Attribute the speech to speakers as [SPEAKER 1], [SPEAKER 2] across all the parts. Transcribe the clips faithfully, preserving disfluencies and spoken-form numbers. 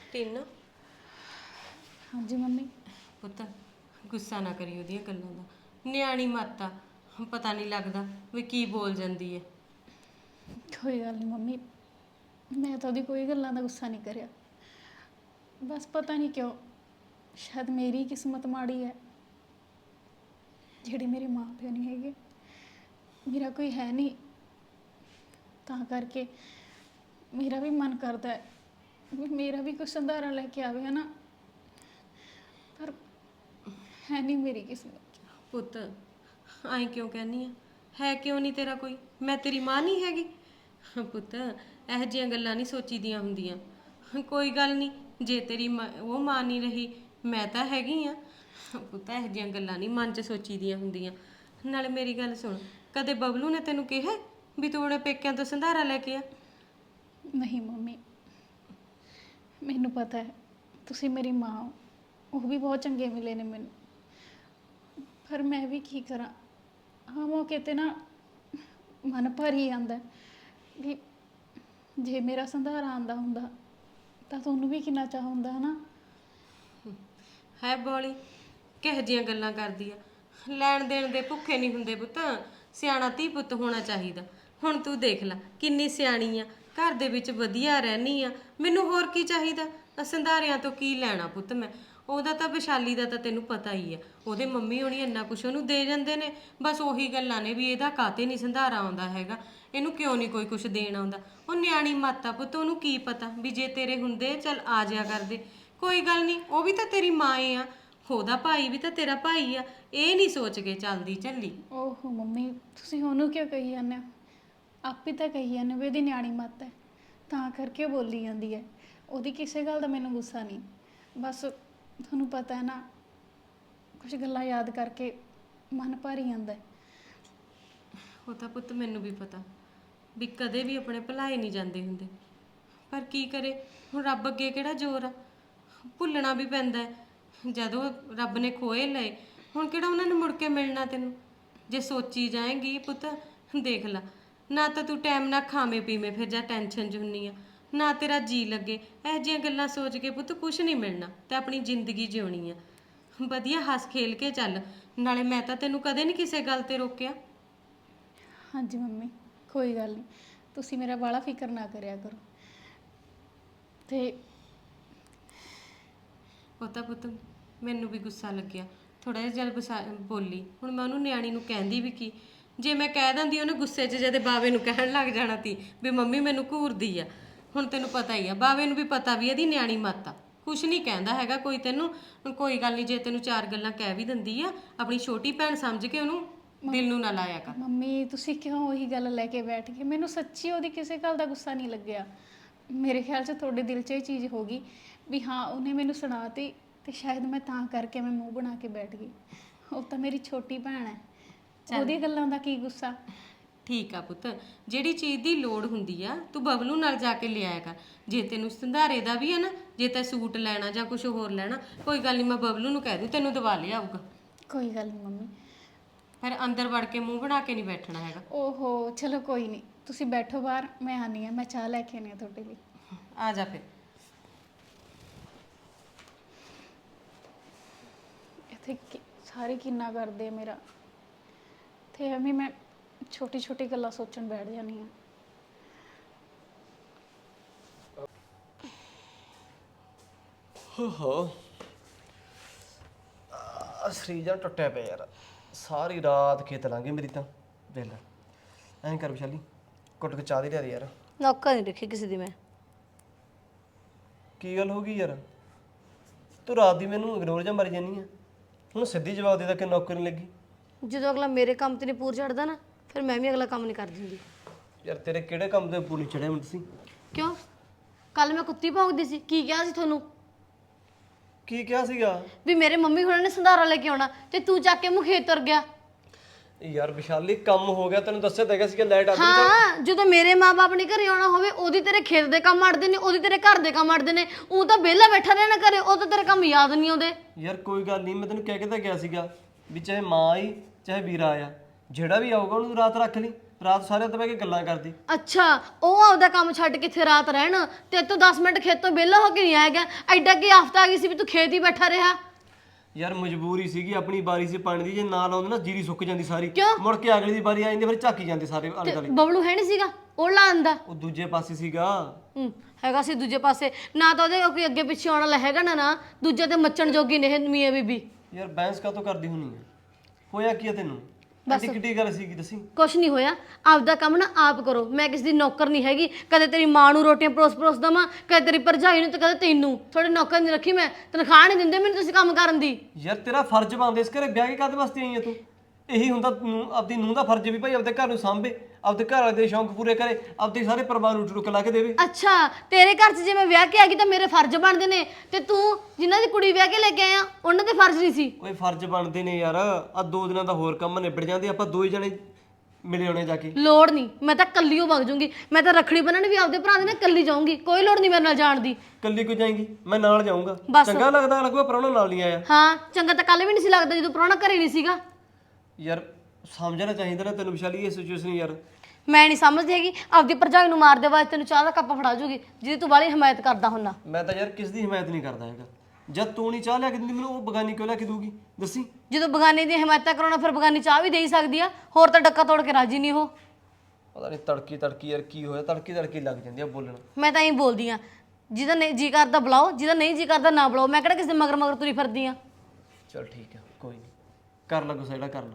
[SPEAKER 1] ਤਿੰਨ।
[SPEAKER 2] ਹਾਂਜੀ ਮੰਮੀ।
[SPEAKER 1] ਪੁੱਤ ਗੁੱਸਾ ਨਾ ਕਰੀ ਉਹਦੀਆਂ ਗੱਲਾਂ ਦਾ, ਨਿਆਣੀ ਮੱਤ ਆ, ਪਤਾ ਨਹੀਂ ਲੱਗਦਾ ਵੀ ਕੀ ਬੋਲ ਜਾਂਦੀ ਹੈ।
[SPEAKER 2] ਕੋਈ ਗੱਲ ਨਹੀਂ ਮੰਮੀ, ਮੈਂ ਤਾਂ ਉਹਦੀ ਕੋਈ ਗੱਲਾਂ ਦਾ ਗੁੱਸਾ ਨਹੀਂ ਕਰਿਆ। ਬਸ ਪਤਾ ਨਹੀਂ ਕਿਉਂ, ਸ਼ਾਇਦ ਮੇਰੀ ਕਿਸਮਤ ਮਾੜੀ ਹੈ ਜਿਹੜੇ ਮੇਰੇ ਮਾਂ ਪਿਓ ਨਹੀਂ ਹੈਗੇ, ਮੇਰਾ ਕੋਈ ਹੈ ਨਹੀਂ, ਤਾਂ ਕਰਕੇ ਮੇਰਾ ਵੀ ਮਨ ਕਰਦਾ ਹੈ ਵੀ ਮੇਰਾ ਵੀ ਕੋਈ ਸੰਧਾਰਾ ਲੈ ਕੇ ਆਵੇ, ਹੈ ਨਾ, ਪਰ ਹੈ ਨਹੀਂ ਮੇਰੀ ਕਿਸਮਤ।
[SPEAKER 1] ਪੁੱਤ ਐਂ ਕਿਉਂ ਕਹਿੰਦੀ ਆ? ਹੈ ਕਿਉਂ ਨਹੀਂ ਤੇਰਾ ਕੋਈ? ਮੈਂ ਤੇਰੀ ਮਾਂ ਨਹੀਂ ਹੈਗੀ? ਪੁੱਤ ਇਹੋ ਜਿਹੀਆਂ ਗੱਲਾਂ ਨਹੀਂ ਸੋਚੀਦੀਆਂ ਹੁੰਦੀਆਂ। ਕੋਈ ਗੱਲ ਨਹੀਂ, ਜੇ ਤੇਰੀ ਮਾਂ ਉਹ ਮਾਂ ਨਹੀਂ ਰਹੀ, ਮੈਂ ਤਾਂ ਹੈਗੀ ਆ। ਪੁੱਤ ਇਹੋ ਜਿਹੀਆਂ ਗੱਲਾਂ ਨਹੀਂ ਮਨ 'ਚ ਸੋਚੀਦੀਆਂ ਹੁੰਦੀਆਂ। ਨਾਲੇ ਮੇਰੀ ਗੱਲ ਸੁਣ, ਕਦੇ ਬਬਲੂ ਨੇ ਤੈਨੂੰ ਕਿਹਾ ਵੀ ਤੂੰ ਆਪਣੇ ਪੇਕਿਆਂ ਤੋਂ ਸੰਧਾਰਾ ਲੈ ਕੇ ਆ?
[SPEAKER 2] ਨਹੀਂ ਮੰਮੀ, ਮੈਨੂੰ ਪਤਾ ਹੈ ਤੁਸੀਂ ਮੇਰੀ ਮਾਂ ਹੋ, ਉਹ ਵੀ ਬਹੁਤ ਚੰਗੇ ਮਿਲੇ ਨੇ ਮੈਨੂੰ, ਪਰ ਮੈਂ ਵੀ ਕੀ ਕਰਾਂ, ਹਾਂ ਮੌਕੇ 'ਤੇ ਨਾ ਮਨ ਭਰ ਹੀ ਆਉਂਦਾ ਵੀ ਜੇ ਮੇਰਾ ਸੰਧਾਰਾ ਆਉਂਦਾ ਹੁੰਦਾ ਤਾਂ ਤੁਹਾਨੂੰ ਵੀ ਕਿੰਨਾ ਚਾਹ ਹੁੰਦਾ, ਹੈ ਨਾ।
[SPEAKER 1] ਹੈ ਬੋਲੀ ਕਿਹੋ ਜਿਹੀਆਂ ਗੱਲਾਂ ਕਰਦੀ ਆ? ਲੈਣ ਦੇਣ ਦੇ ਭੁੱਖੇ ਨਹੀਂ ਹੁੰਦੇ ਪੁੱਤ, ਸਿਆਣਾ ਧੀ ਪੁੱਤ ਹੋਣਾ ਚਾਹੀਦਾ। ਹੁਣ ਤੂੰ ਦੇਖ ਲੈ ਕਿੰਨੀ ਸਿਆਣੀ ਆ, ਘਰ ਦੇ ਵਿੱਚ ਵਧੀਆ ਰਹਿਨੀ ਆ, ਮੈਨੂੰ ਹੋਰ ਕੀ ਚਾਹੀਦਾ? ਸੰਧਾਰਿਆਂ ਤੋਂ ਕੀ ਲੈਣਾ ਪੁੱਤ ਮੈਂ? ਉਹਦਾ ਤਾਂ ਵਿਸ਼ਾਲੀ ਦਾ ਤਾਂ ਤੈਨੂੰ ਪਤਾ ਹੀ ਆ, ਉਹਦੇ ਮੰਮੀ ਹੋਣੀ ਇੰਨਾ ਕੁਛ ਉਹਨੂੰ ਦੇ ਜਾਂਦੇ ਨੇ। ਬਸ ਉਹੀ ਗੱਲਾਂ ਨੇ ਵੀ ਇਹਦਾ ਕਾਤੇ ਨਹੀਂ ਸੰਧਾਰਾ ਆਉਂਦਾ ਹੈਗਾ, ਇਹਨੂੰ ਕਿਉਂ ਨਹੀਂ ਕੋਈ ਕੁਛ ਦੇਣ ਆਉਂਦਾ। ਉਹ ਨਿਆਣੀ ਮਾਤਾ ਪੁੱਤ, ਉਹਨੂੰ ਕੀ ਪਤਾ ਵੀ ਜੇ ਤੇਰੇ ਹੁੰਦੇ ਚੱਲ ਆ ਜਿਆ ਕਰਦੇ। ਕੋਈ ਗੱਲ ਨਹੀਂ, ਉਹ ਵੀ ਤਾਂ ਤੇਰੀ ਮਾਂ ਆ, ਉਹਦਾ ਭਾਈ ਵੀ ਤਾਂ ਤੇਰਾ ਭਾਈ ਆ, ਇਹ ਨਹੀਂ ਸੋਚ ਕੇ ਚੱਲਦੀ ਚੱਲੀ।
[SPEAKER 2] ਓਹੋ ਮੰਮੀ, ਤੁਸੀਂ ਉਹਨੂੰ ਕਿਉਂ ਕਹੀ ਜਾਂਦੇ ਹੋ? ਆਪੇ ਤਾਂ ਕਹੀ ਜਾਂਦੇ ਵੀ ਉਹਦੀ ਨਿਆਣੀ ਮੱਤ ਹੈ, ਤਾਂ ਕਰਕੇ ਉਹ ਬੋਲੀ ਜਾਂਦੀ ਹੈ। ਉਹਦੀ ਕਿਸੇ ਗੱਲ ਦਾ ਮੈਨੂੰ ਗੁੱਸਾ ਨਹੀਂ, ਬਸ ਤੁਹਾਨੂੰ ਪਤਾ ਹੈ ਨਾ, ਕੁਝ ਗੱਲਾਂ ਯਾਦ ਕਰਕੇ ਮਨ ਭਰ ਹੀ ਜਾਂਦਾ ਹੈ।
[SPEAKER 1] ਉਹ ਤਾਂ ਪੁੱਤ ਮੈਨੂੰ ਵੀ ਪਤਾ ਵੀ ਕਦੇ ਵੀ ਆਪਣੇ ਭੁਲਾਏ ਨਹੀਂ ਜਾਂਦੇ ਹੁੰਦੇ, ਪਰ ਕੀ ਕਰੇ ਹੁਣ, ਰੱਬ ਅੱਗੇ ਕਿਹੜਾ ਜ਼ੋਰ ਆ, ਭੁੱਲਣਾ ਵੀ ਪੈਂਦਾ ਹੈ। ਜਦੋਂ ਰੱਬ ਨੇ ਖੋਏ ਲਏ, ਹੁਣ ਕਿਹੜਾ ਉਹਨਾਂ ਨੇ ਮੁੜ ਕੇ ਮਿਲਣਾ ਤੈਨੂੰ? ਜੇ ਸੋਚੀ ਜਾਏਂਗੀ ਪੁੱਤ, ਦੇਖ ਲਾ, ਨਾ ਤਾਂ ਤੂੰ ਟਾਈਮ ਨਾਲ ਖਾਵੇਂ ਪੀਵੇਂ ਫਿਰ ਜਾਂ ਟੈਨਸ਼ਨ 'ਚ ਹੁੰਨੀ ਆ, ਨਾ ਤੇਰਾ ਜੀ ਲੱਗੇ। ਇਹੋ ਜਿਹੀਆਂ ਗੱਲਾਂ ਸੋਚ ਕੇ ਪੁੱਤ ਕੁਛ ਨਹੀਂ ਮਿਲਣਾ, ਤੇ ਆਪਣੀ ਜ਼ਿੰਦਗੀ ਜਿਉਣੀ ਆ। ਵਧੀਆ ਹੱਸ ਖੇਲ ਕੇ ਚੱਲ, ਨਾਲੇ ਮੈਂ ਤਾਂ ਤੈਨੂੰ ਕਦੇ ਨਹੀਂ ਕਿਸੇ ਗੱਲ ਤੇ ਰੋਕਿਆ।
[SPEAKER 2] ਹਾਂਜੀ ਮੰਮੀ, ਕੋਈ ਗੱਲ ਨਹੀਂ, ਤੁਸੀਂ ਮੇਰਾ ਬਾਹਲਾ ਫਿਕਰ ਨਾ ਕਰਿਆ ਕਰੋ। ਤੇ
[SPEAKER 1] ਉਹ ਤਾਂ ਪੁੱਤ ਮੈਨੂੰ ਵੀ ਗੁੱਸਾ ਲੱਗਿਆ ਥੋੜਾ ਜਿਹਾ ਜਦ ਬਸਾ ਬੋਲੀ। ਹੁਣ ਮੈਂ ਉਹਨੂੰ ਨਿਆਣੀ ਨੂੰ ਕਹਿੰਦੀ ਵੀ ਕੀ? ਜੇ ਮੈਂ ਕਹਿ ਦਿੰਦੀ ਉਹਨੇ ਗੁੱਸੇ 'ਚ ਜਦੇ ਬਾਵੇ ਨੂੰ ਕਹਿਣ ਲੱਗ ਜਾਣਾ ਤੀ ਵੀ ਮੰਮੀ ਮੈਨੂੰ ਘੂਰਦੀ ਆ। ਹੁਣ ਤੈਨੂੰ ਪਤਾ ਹੀ ਆ, ਬਾਵੇ ਨੂੰ ਵੀ ਪਤਾ ਵੀ ਇਹਦੀ ਨਿਆਣੀ ਮੱਤ ਆ, ਕੁਛ ਨਹੀਂ ਕਹਿੰਦਾ ਹੈਗਾ ਕੋਈ ਤੈਨੂੰ। ਕੋਈ ਗੱਲ ਨਹੀਂ, ਜੇ ਤੈਨੂੰ ਚਾਰ ਗੱਲਾਂ ਕਹਿ ਵੀ ਦਿੰਦੀ ਆ, ਆਪਣੀ ਛੋਟੀ ਭੈਣ ਸਮਝ ਕੇ ਉਹਨੂੰ ਦਿਲ ਨੂੰ ਨਾ ਲਾਇਆ ਕਰ।
[SPEAKER 2] ਮੰਮੀ ਤੁਸੀਂ ਕਿਉਂ ਉਹੀ ਗੱਲ ਲੈ ਕੇ ਬੈਠ ਗਏ? ਮੈਨੂੰ ਸੱਚੀ ਉਹਦੀ ਕਿਸੇ ਗੱਲ ਦਾ ਗੁੱਸਾ ਨਹੀਂ ਲੱਗਿਆ। ਮੇਰੇ ਖਿਆਲ 'ਚ ਤੁਹਾਡੇ ਦਿਲ 'ਚ ਇਹ ਚੀਜ਼ ਹੋ ਗਈ ਵੀ ਹਾਂ ਉਹਨੇ ਮੈਨੂੰ ਸੁਣਾਤੀ, ਤੇ ਸ਼ਾਇਦ ਮੈਂ ਤਾਂ ਕਰਕੇ ਮੈਂ ਮੂੰਹ ਬਣਾ ਕੇ ਬੈਠ ਗਈ। ਉਹ ਤਾਂ ਮੇਰੀ ਛੋਟੀ ਭੈਣ ਹੈ, ਉਹਦੀ ਗੱਲਾਂ ਦਾ ਕੀ ਗੁੱਸਾ।
[SPEAKER 1] ਠੀਕ ਆ ਪੁੱਤ, ਜਿਹੜੀ ਚੀਜ਼ ਦੀ ਲੋੜ ਹੁੰਦੀ ਆ ਤੂੰ ਬਬਲੂ ਨਾਲ ਜਾ ਕੇ ਲਿਆਇਆ ਕਰ। ਜੇ ਤੈਨੂੰ ਸੰਧਾਰੇ ਦਾ ਵੀ ਹੈ ਨਾ, ਜੇ ਤੈਂ ਸੂਟ ਲੈਣਾ ਜਾਂ ਕੁਝ ਹੋਰ ਲੈਣਾ, ਕੋਈ ਗੱਲ ਨਹੀਂ, ਮੈਂ ਬਬਲੂ ਨੂੰ ਕਹਿ ਦੂੰ ਤੈਨੂੰ ਦਵਾ ਲਿਆਊਗਾ।
[SPEAKER 2] ਕੋਈ ਗੱਲ ਨਹੀਂ ਮੰਮੀ,
[SPEAKER 1] ਫਿਰ ਅੰਦਰ ਵੜ ਕੇ ਮੂੰਹ ਬਣਾ ਕੇ ਨਹੀਂ ਬੈਠਣਾ ਹੈਗਾ।
[SPEAKER 2] ਓਹੋ ਚਲੋ ਕੋਈ ਨਹੀਂ, ਤੁਸੀਂ ਬੈਠੋ ਬਾਹਰ, ਮੈਂ ਆਨੀ ਆ, ਮੈਂ ਚਾਹ ਲੈ ਕੇ ਆਨੀ ਆ ਤੁਹਾਡੇ ਲਈ।
[SPEAKER 1] ਆ ਜਾ ਫਿਰ।
[SPEAKER 2] ਇੱਥੇ ਕਿ- ਸਾਰੇ ਕਿੰਨਾ ਕਰਦੇ ਆ ਮੇਰਾ, ਤੇ ਐਵੇਂ ਮੈਂ ਛੋਟੀ ਛੋਟੀ ਗੱਲਾਂ ਸੋਚਣ ਬੈਠ ਜਾਂਦੀ ਹਾਂ।
[SPEAKER 3] ਹੋ ਸਰੀਰ ਜਾਂ ਟੁੱਟਿਆ ਪਿਆ ਯਾਰ, ਸਾਰੀ ਰਾਤ ਖੇਤ ਲਾਂਗੇ ਮੇਰੀ ਤਾਂ। ਦੇਖ ਲੈ ਐਂ ਕਰ ਵਿਸ਼ਾਲੀ, ਕੁੱਟ ਕੇ ਚਾਹ ਦੀ ਲਿਆ ਦੇ ਯਾਰ।
[SPEAKER 4] ਨੌਕਰ ਨਹੀਂ ਰੱਖੀ ਕਿਸੇ ਦੀ ਮੈਂ।
[SPEAKER 3] ਕੀ ਗੱਲ ਹੋ ਗਈ ਯਾਰ, ਤੂੰ ਰਾਤ ਦੀ ਮੈਨੂੰ ਇਗਨੋਰ ਜਾਂ ਮਰੀ ਜਾਨੀ ਆ, ਹੁਣ ਸਿੱਧੀ ਜਵਾਬ ਦੇ ਦਾ ਕਿ ਨੌਕਰ ਨਹੀਂ ਲੱਗੀ।
[SPEAKER 4] ਜਦੋਂ ਅਗਲਾ ਮੇਰੇ ਕੰਮ ਤੇ ਨਹੀਂ ਪੂਰ ਚੜਦਾ ਨਾ, ਫਿਰ ਮੈਂ ਵੀ ਅਗਲਾ ਕੰਮ ਨਹੀਂ ਕਰ ਦਿੰਦੀ।
[SPEAKER 3] ਯਾਰ ਤੇਰੇ ਕਿਹੜੇ ਕੰਮ ਤੇ ਪੂਰੀ ਚੜਿਆ ਮੈਨੂੰ ਤੁਸੀਂ?
[SPEAKER 4] ਕਿਉਂ? ਕੱਲ ਮੈਂ ਕੁੱਤੀ ਭੌਂਕਦੀ ਸੀ, ਕੀ ਕਿਹਾ ਸੀ ਤੁਹਾਨੂੰ?
[SPEAKER 3] ਕੀ ਕਿਹਾ ਸੀਗਾ?
[SPEAKER 4] ਵੀ ਮੇਰੇ ਮੰਮੀ ਹੋਣਾ ਨੇ ਸੰਧਾਰਾ ਲੈ ਕੇ ਆਉਣਾ, ਤੇ ਤੂੰ ਚੱਕ ਕੇ ਮੂੰਹ ਖੇਤ ਤੁਰ ਗਿਆ।
[SPEAKER 3] ਯਾਰ ਵਿਸ਼ਾਲੀ ਕੰਮ ਹੋ ਗਿਆ, ਤੈਨੂੰ ਦੱਸਿਆ ਤਾਂ ਹੈਗਾ ਸੀ ਕਿ ਲਾਈਟ ਆ ਗਈ।
[SPEAKER 4] ਹਾਂ, ਜਦੋਂ ਮੇਰੇ ਮਾਪੇ ਨੇ ਘਰੇ ਆਉਣਾ ਹੋਵੇ, ਉਹਦੀ ਤੇਰੇ ਖੇਤ ਦੇ ਕੰਮ ਅੜਦੇ ਨੇ, ਉਹਦੀ ਤੇਰੇ ਘਰ ਦੇ ਕੰਮ ਅੜਦੇ ਨੇ। ਉਹ ਤਾਂ ਵਿਹਲਾ ਬੈਠਾ ਰਹਿਣਾ ਘਰੇ, ਉਹ ਤਾਂ ਤੇਰੇ ਕੰਮ ਯਾਦ ਨਹੀਂ ਆਉਂਦੇ।
[SPEAKER 3] ਯਾਰ ਕੋਈ ਗੱਲ ਨਹੀਂ, ਮੈਂ ਤੈਨੂੰ ਕਹਿ ਕੇ ਤਾਂ ਗਿਆ ਸੀਗਾ ਵੀ ਚਾਹੇ ਮਾਂ ਆਈ ਚਾਹੇ ਵੀਰਾ ਆਇਆ, ਜਿਹੜਾ ਵੀ ਆਊਗਾ ਉਹਨੂੰ ਰਾਤ ਰੱਖ ਲਈ। ਰਾਤ ਸਾਰਿਆਂ ਤੋਂ ਬਹਿ ਕੇ ਗੱਲਾਂ ਕਰਦੀ।
[SPEAKER 4] ਅੱਛਾ, ਉਹ ਆਪਦਾ ਕੰਮ ਛੱਡ ਕੇ ਇੱਥੇ ਰਾਤ ਰਹਿਣ ਤੇ ਤੂੰ ਦਸ ਮਿੰਟ ਖੇਤੋਂ ਵਿਹਲਾ ਹੋ ਕੇ ਨਹੀਂ ਆਏਗਾ। ਐਡਾ ਕੀ ਆਫਤ ਆ ਗਈ ਸੀ ਵੀ ਤੂੰ ਖੇਤ ਹੀ ਬੈਠਾ ਰਿਹਾ?
[SPEAKER 3] ਯਾਰ ਮਜਬੂਰੀ ਸੀਗੀ, ਆਪਣੀ ਬਾਰੀ ਸੀ ਪਾਣੀ ਦੀ, ਜੇ ਨਾ ਲਾਉਂਦੇ ਨਾ ਜੀਰੀ ਸੁੱਕ ਜਾਂਦੀ ਸਾਰੀ।
[SPEAKER 4] ਕਿਉਂ?
[SPEAKER 3] ਮੁੜ ਕੇ ਅਗਲੀ ਦੀ ਬਾਰੀ ਆ ਜਾਂਦੀ, ਫਿਰ ਝਾਕੀ ਜਾਂਦੇ ਸਾਰੇ ਆਲੇ ਦੁਆਲੇ।
[SPEAKER 4] ਬਬਲੂ ਹੈ ਨਹੀਂ ਸੀਗਾ ਉਹ ਲਾਂਦਾ?
[SPEAKER 3] ਉਹ ਦੂਜੇ ਪਾਸੇ ਸੀਗਾ।
[SPEAKER 4] ਹੂੰ, ਹੈਗਾ ਸੀ ਦੂਜੇ ਪਾਸੇ। ਨਾ ਤਾਂ ਉਹਦੇ ਕੋਈ ਅੱਗੇ ਪਿੱਛੇ ਆਉਣ ਵਾਲਾ ਹੈਗਾ ਨਾ ਨਾ ਦੂਜੇ ਤੇ ਮੱਚਣ ਜੋਗੀ ਨੇ ਇਹ ਮੀਆਂ ਬੀਬੀ।
[SPEAKER 3] ਯਾਰ ਬੈਂਸ ਕਾਤੋਂ ਕਰਦੀ ਹੁੰਨੀ ਹੈ? ਹੋਇਆ ਕੀ ਆ ਤੈਨੂੰ? ਐਡੀ ਕਿੱਡੀ ਗੱਲ ਸੀਗੀ ਦੱਸੀ।
[SPEAKER 4] ਕੁਛ ਨਹੀਂ ਹੋਇਆ, ਆਪਦਾ ਕੰਮ ਨਾ ਆਪ ਕਰੋ। ਮੈਂ ਕਿਸੇ ਦੀ ਨੌਕਰ ਨਹੀਂ ਹੈਗੀ। ਕਦੇ ਤੇਰੀ ਮਾਂ ਨੂੰ ਰੋਟੀਆਂ ਪਰੋਸ ਪਰੋਸ ਦਵਾਂ, ਕਦੇ ਤੇਰੀ ਭਰਜਾਈ ਨੂੰ, ਤੇ ਕਦੇ ਤੈਨੂੰ। ਥੋੜੇ ਨੌਕਰ ਨਹੀਂ ਰੱਖੀ ਮੈਂ, ਤਨਖਾਹ ਨਹੀਂ ਦਿੰਦੇ ਮੈਨੂੰ ਤੁਸੀਂ ਕੰਮ ਕਰਨ ਦੀ।
[SPEAKER 3] ਯਾਰ ਤੇਰਾ ਫਰਜ਼ ਬਣਦਾ ਇਸ ਘਰੇ ਵਿਆਹ ਕੇ ਕਾਹਦੇ ਵਾਸਤੇ ਆਈ ਆ ਤੂੰ? ਇਹੀ ਹੁੰਦਾ ਨੂੰ ਆਪਦੀ ਨੂੰਹ ਦਾ ਫਰਜ਼ ਵੀ ਭਾਈ ਆਪਦੇ ਘਰ ਨੂੰ ਸਾਂਭੇ, ਆਪਦੇ ਘਰ ਵਾਲੇ ਦੇ ਸ਼ੌਂਕ ਪੂਰੇ ਕਰੇ, ਆਪਦੇ ਸਾਰੇ ਪਰਿਵਾਰ ਨੂੰ ਟੁਕ ਲਾ ਕੇ ਦੇਵੇ।
[SPEAKER 4] ਅੱਛਾ, ਤੇਰੇ ਘਰ 'ਚ ਜੇ ਮੈਂ ਵਿਆਹ ਕੇ ਆ ਗਈ ਤਾਂ ਮੇਰੇ ਫਰਜ਼ ਬਣਦੇ ਨੇ, ਤੇ ਤੂੰ ਜਿਨ੍ਹਾਂ ਦੀ ਕੁੜੀ ਵਿਆਹ ਕੇ ਲੈ ਕੇ ਆਇਆ ਉਹਨਾਂ ਦੇ ਫਰਜ਼ ਨਹੀਂ ਸੀ?
[SPEAKER 3] ਓਏ ਫਰਜ਼ ਬਣਦੇ ਨੇ ਯਾਰ। ਆ ਦੋ ਦਿਨਾਂ ਦਾ ਹੋਰ ਕੰਮ ਨਿਬੜ ਜਾਂਦੇ, ਆਪਾਂ ਦੋ ਹੀ ਜਣੇ ਮਿਲੇ ਹੋਣੇ ਜਾ ਕੇ।
[SPEAKER 4] ਲੋੜ ਨਹੀਂ, ਮੈਂ ਤਾਂ ਕੱਲੀ ਓ ਵਗ ਜੂੰਗੀ। ਮੈਂ ਤਾਂ ਰੱਖੜੀ ਬੰਨਣ ਵੀ ਆਪਦੇ ਭਰਾ ਦੇ ਨਾਲ ਕੱਲੀ ਜਾਊਂਗੀ, ਕੋਈ ਲੋੜ ਨਹੀਂ ਮੇਰੇ ਨਾਲ ਜਾਣ ਦੀ।
[SPEAKER 3] ਕੱਲੀ ਕਿਉਂ ਜਾਏਂਗੀ? ਮੈਂ ਨਾਲ ਜਾਊਂਗਾ।
[SPEAKER 4] ਬਸ।
[SPEAKER 3] ਚੰਗਾ ਲੱਗਦਾ ਲੱਗੂਗਾ ਪ੍ਰਾਹੁਣਾ ਨਾਲ ਨਹੀਂ ਆਇਆ।
[SPEAKER 4] ਹਾਂ, ਚੰਗਾ ਤਾਂ ਕੱਲ ਵੀ ਨਹੀਂ ਸੀ ਲੱਗਦਾ ਜਦੋਂ ਪ੍ਰਾਹੁਣਾ ਘਰੇ ਨਹੀਂ ਸੀਗਾ।
[SPEAKER 3] ਯਾਰ ਸਮਝਣਾ ਚਾਹੀਦਾ ਨਾ ਤੈਨੂੰ ਵਿਸ਼ਾਲੀ ਇਹ ਸਿਚੁਏਸ਼ਨ ਯਾਰ।
[SPEAKER 4] ਮੈਂ ਨਹੀਂ ਸਮਝਦੀ ਹੈਗੀ। ਆਪਦੀ ਭਰਜਾਈ ਨੂੰ ਮਾਰ ਦੇ ਬਾਅਦ ਤੈਨੂੰ ਚਾਹ ਦਾ ਕੱਪ ਫੜਾ ਜੂਗੀ ਜਿਹਦੀ ਤੂੰ ਬਾਹਲੀ ਹਮਾਇਤ ਕਰਦਾ ਹੁੰਨਾ।
[SPEAKER 3] ਮੈਂ ਤਾਂ ਯਾਰ ਕਿਸ ਦੀ ਹਮਾਇਤ ਨਹੀਂ ਕਰਦਾ ਹੈਗਾ। ਜਦ ਤੂੰ ਨਹੀਂ ਚਾਹ ਲਿਆ ਕੇ ਦਿੰਦੀ ਮੈਨੂੰ, ਉਹ ਬਗਾਨੀ ਕਿਉਂ ਲਿਆ ਕੇ ਦੂਗੀ ਦੱਸੀ?
[SPEAKER 4] ਜਦੋਂ ਬਗਾਨੀ ਦੀ ਹਮਾਇਤਾਂ ਕਰਾਉਣਾ ਫਿਰ ਬਗਾਨੀ ਚਾਹ ਵੀ ਦੇ ਹੀ ਸਕਦੀ ਆ, ਹੋਰ ਤਾਂ ਡੱਕਾ ਤੋੜ ਕੇ ਰਾਜੀ ਨਹੀਂ ਉਹ।
[SPEAKER 3] ਪਤਾ ਨਹੀਂ ਤੜਕੀ ਤੜਕੀ ਯਾਰ ਕੀ ਹੋਇਆ, ਤੜਕੀ ਤੜਕੀ ਲੱਗ ਜਾਂਦੀ ਆ ਬੋਲਣ।
[SPEAKER 4] ਮੈਂ ਤਾਂ ਇਹੀ ਬੋਲਦੀ ਆ, ਜਿਹਦਾ ਨਹੀਂ ਜੀ ਕਰਦਾ ਬੁਲਾਓ, ਜਿਹਦਾ ਨਹੀਂ ਜੀ ਕਰਦਾ ਨਾ ਬੁਲਾਓ। ਮੈਂ ਕਿਹੜਾ ਕਿਸੇ ਦੇ ਮਗਰ ਮਗਰ ਤੁਰੀ ਫਿਰਦੀ ਆ।
[SPEAKER 3] ਚਲ ਠੀਕ ਆ, ਕੋਈ ਨਹੀਂ, ਕਰ ਲਾ ਗੁੱਸਾ ਜਿਹੜਾ ਕਰਨਾ।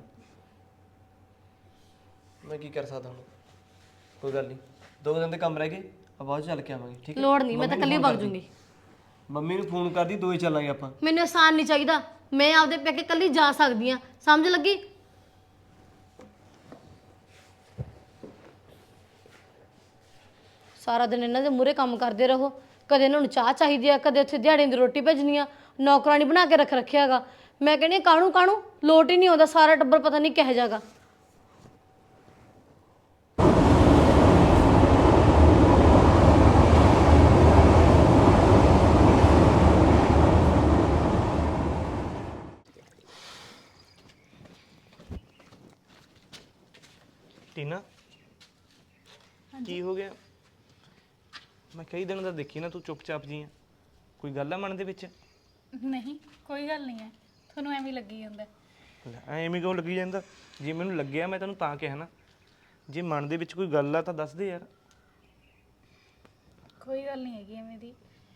[SPEAKER 3] ਮੈਂ ਕੀ ਕਰ ਸਕਦਾ ਹੁਣ? ਕੋਈ ਗੱਲ ਨਹੀਂ, ਦੋ ਦਿਨ ਦੇ ਕੰਮ ਰਹਿ ਗਏ, ਆਵਾਜ਼ ਚੱਲ ਕੇ ਆਵਾਂਗੇ ਠੀਕ ਹੈ?
[SPEAKER 4] ਲੋੜ ਨਹੀਂ, ਮੈਂ ਤਾਂ ਕੱਲੀ ਵਗ ਜੂੰਗੀ।
[SPEAKER 3] ਮੰਮੀ ਨੂੰ ਫੋਨ ਕਰਦੀ, ਦੋਏ ਚੱਲਾਂਗੇ ਆਪਾਂ।
[SPEAKER 4] ਮੈਨੂੰ ਆਸਾਨ ਨਹੀਂ ਚਾਹੀਦਾ, ਮੈਂ ਆਪਦੇ ਪੇਕੇ ਕੱਲੀ ਜਾ ਸਕਦੀ ਆ, ਸਮਝ ਲੱਗੀ? ਸਾਰਾ ਦਿਨ ਇਹਨਾਂ ਦੇ ਮੂਹਰੇ ਕੰਮ ਕਰਦੇ ਰਹੋ। ਕਦੇ ਇਹਨਾਂ ਨੂੰ ਚਾਹ ਚਾਹੀਦੀ ਆ, ਕਦੇ ਉੱਥੇ ਦਿਹਾੜੀ ਦੀ ਰੋਟੀ ਭੇਜਣੀ ਆ। ਨੌਕਰਾਨੀ ਬਣਾ ਕੇ ਰੱਖ ਰੱਖਿਆਗਾ। ਮੈਂ ਕਹਿੰਦੀ ਕਾਹਨੂੰ ਕਾਹਨੂੰ ਲੋਟ ਹੀ ਨਹੀਂ ਆਉਂਦਾ, ਸਾਰਾ ਟੱਬਰ ਪਤਾ ਨਹੀਂ ਕਿਹੋ ਜਿਹਾਗਾ।
[SPEAKER 5] ਟੀਨਾ ਕੀ ਹੋ ਗਿਆ? ਮੈਂ ਕਈ ਦਿਨ ਦਾ ਦੇਖੀ ਨਾ ਤੂੰ ਚੁੱਪਚਾਪ ਜੀ ਆ। ਕੋਈ ਗੱਲ ਆ ਮਨ ਦੇ ਵਿੱਚ?
[SPEAKER 2] ਨਹੀਂ, ਕੋਈ ਗੱਲ ਨਹੀਂ ਹੈ। ਤੁਹਾਨੂੰ ਐਵੇਂ ਲੱਗੀ ਜਾਂਦਾ।
[SPEAKER 5] ਲੈ, ਐਵੇਂ ਕਿਉਂ ਲੱਗੀ ਜਾਂਦਾ? ਜੇ ਮੈਨੂੰ ਲੱਗਿਆ ਮੈਂ ਤੈਨੂੰ ਤਾਂ ਕਿਹਾ ਨਾ, ਜੇ ਮਨ ਦੇ ਵਿੱਚ ਕੋਈ ਗੱਲ ਆ ਤਾਂ ਦੱਸ ਦੇ ਯਾਰ।
[SPEAKER 2] ਕੋਈ ਗੱਲ ਨਹੀਂ ਹੈਗੀ ਐਵੇਂ ਦੀ।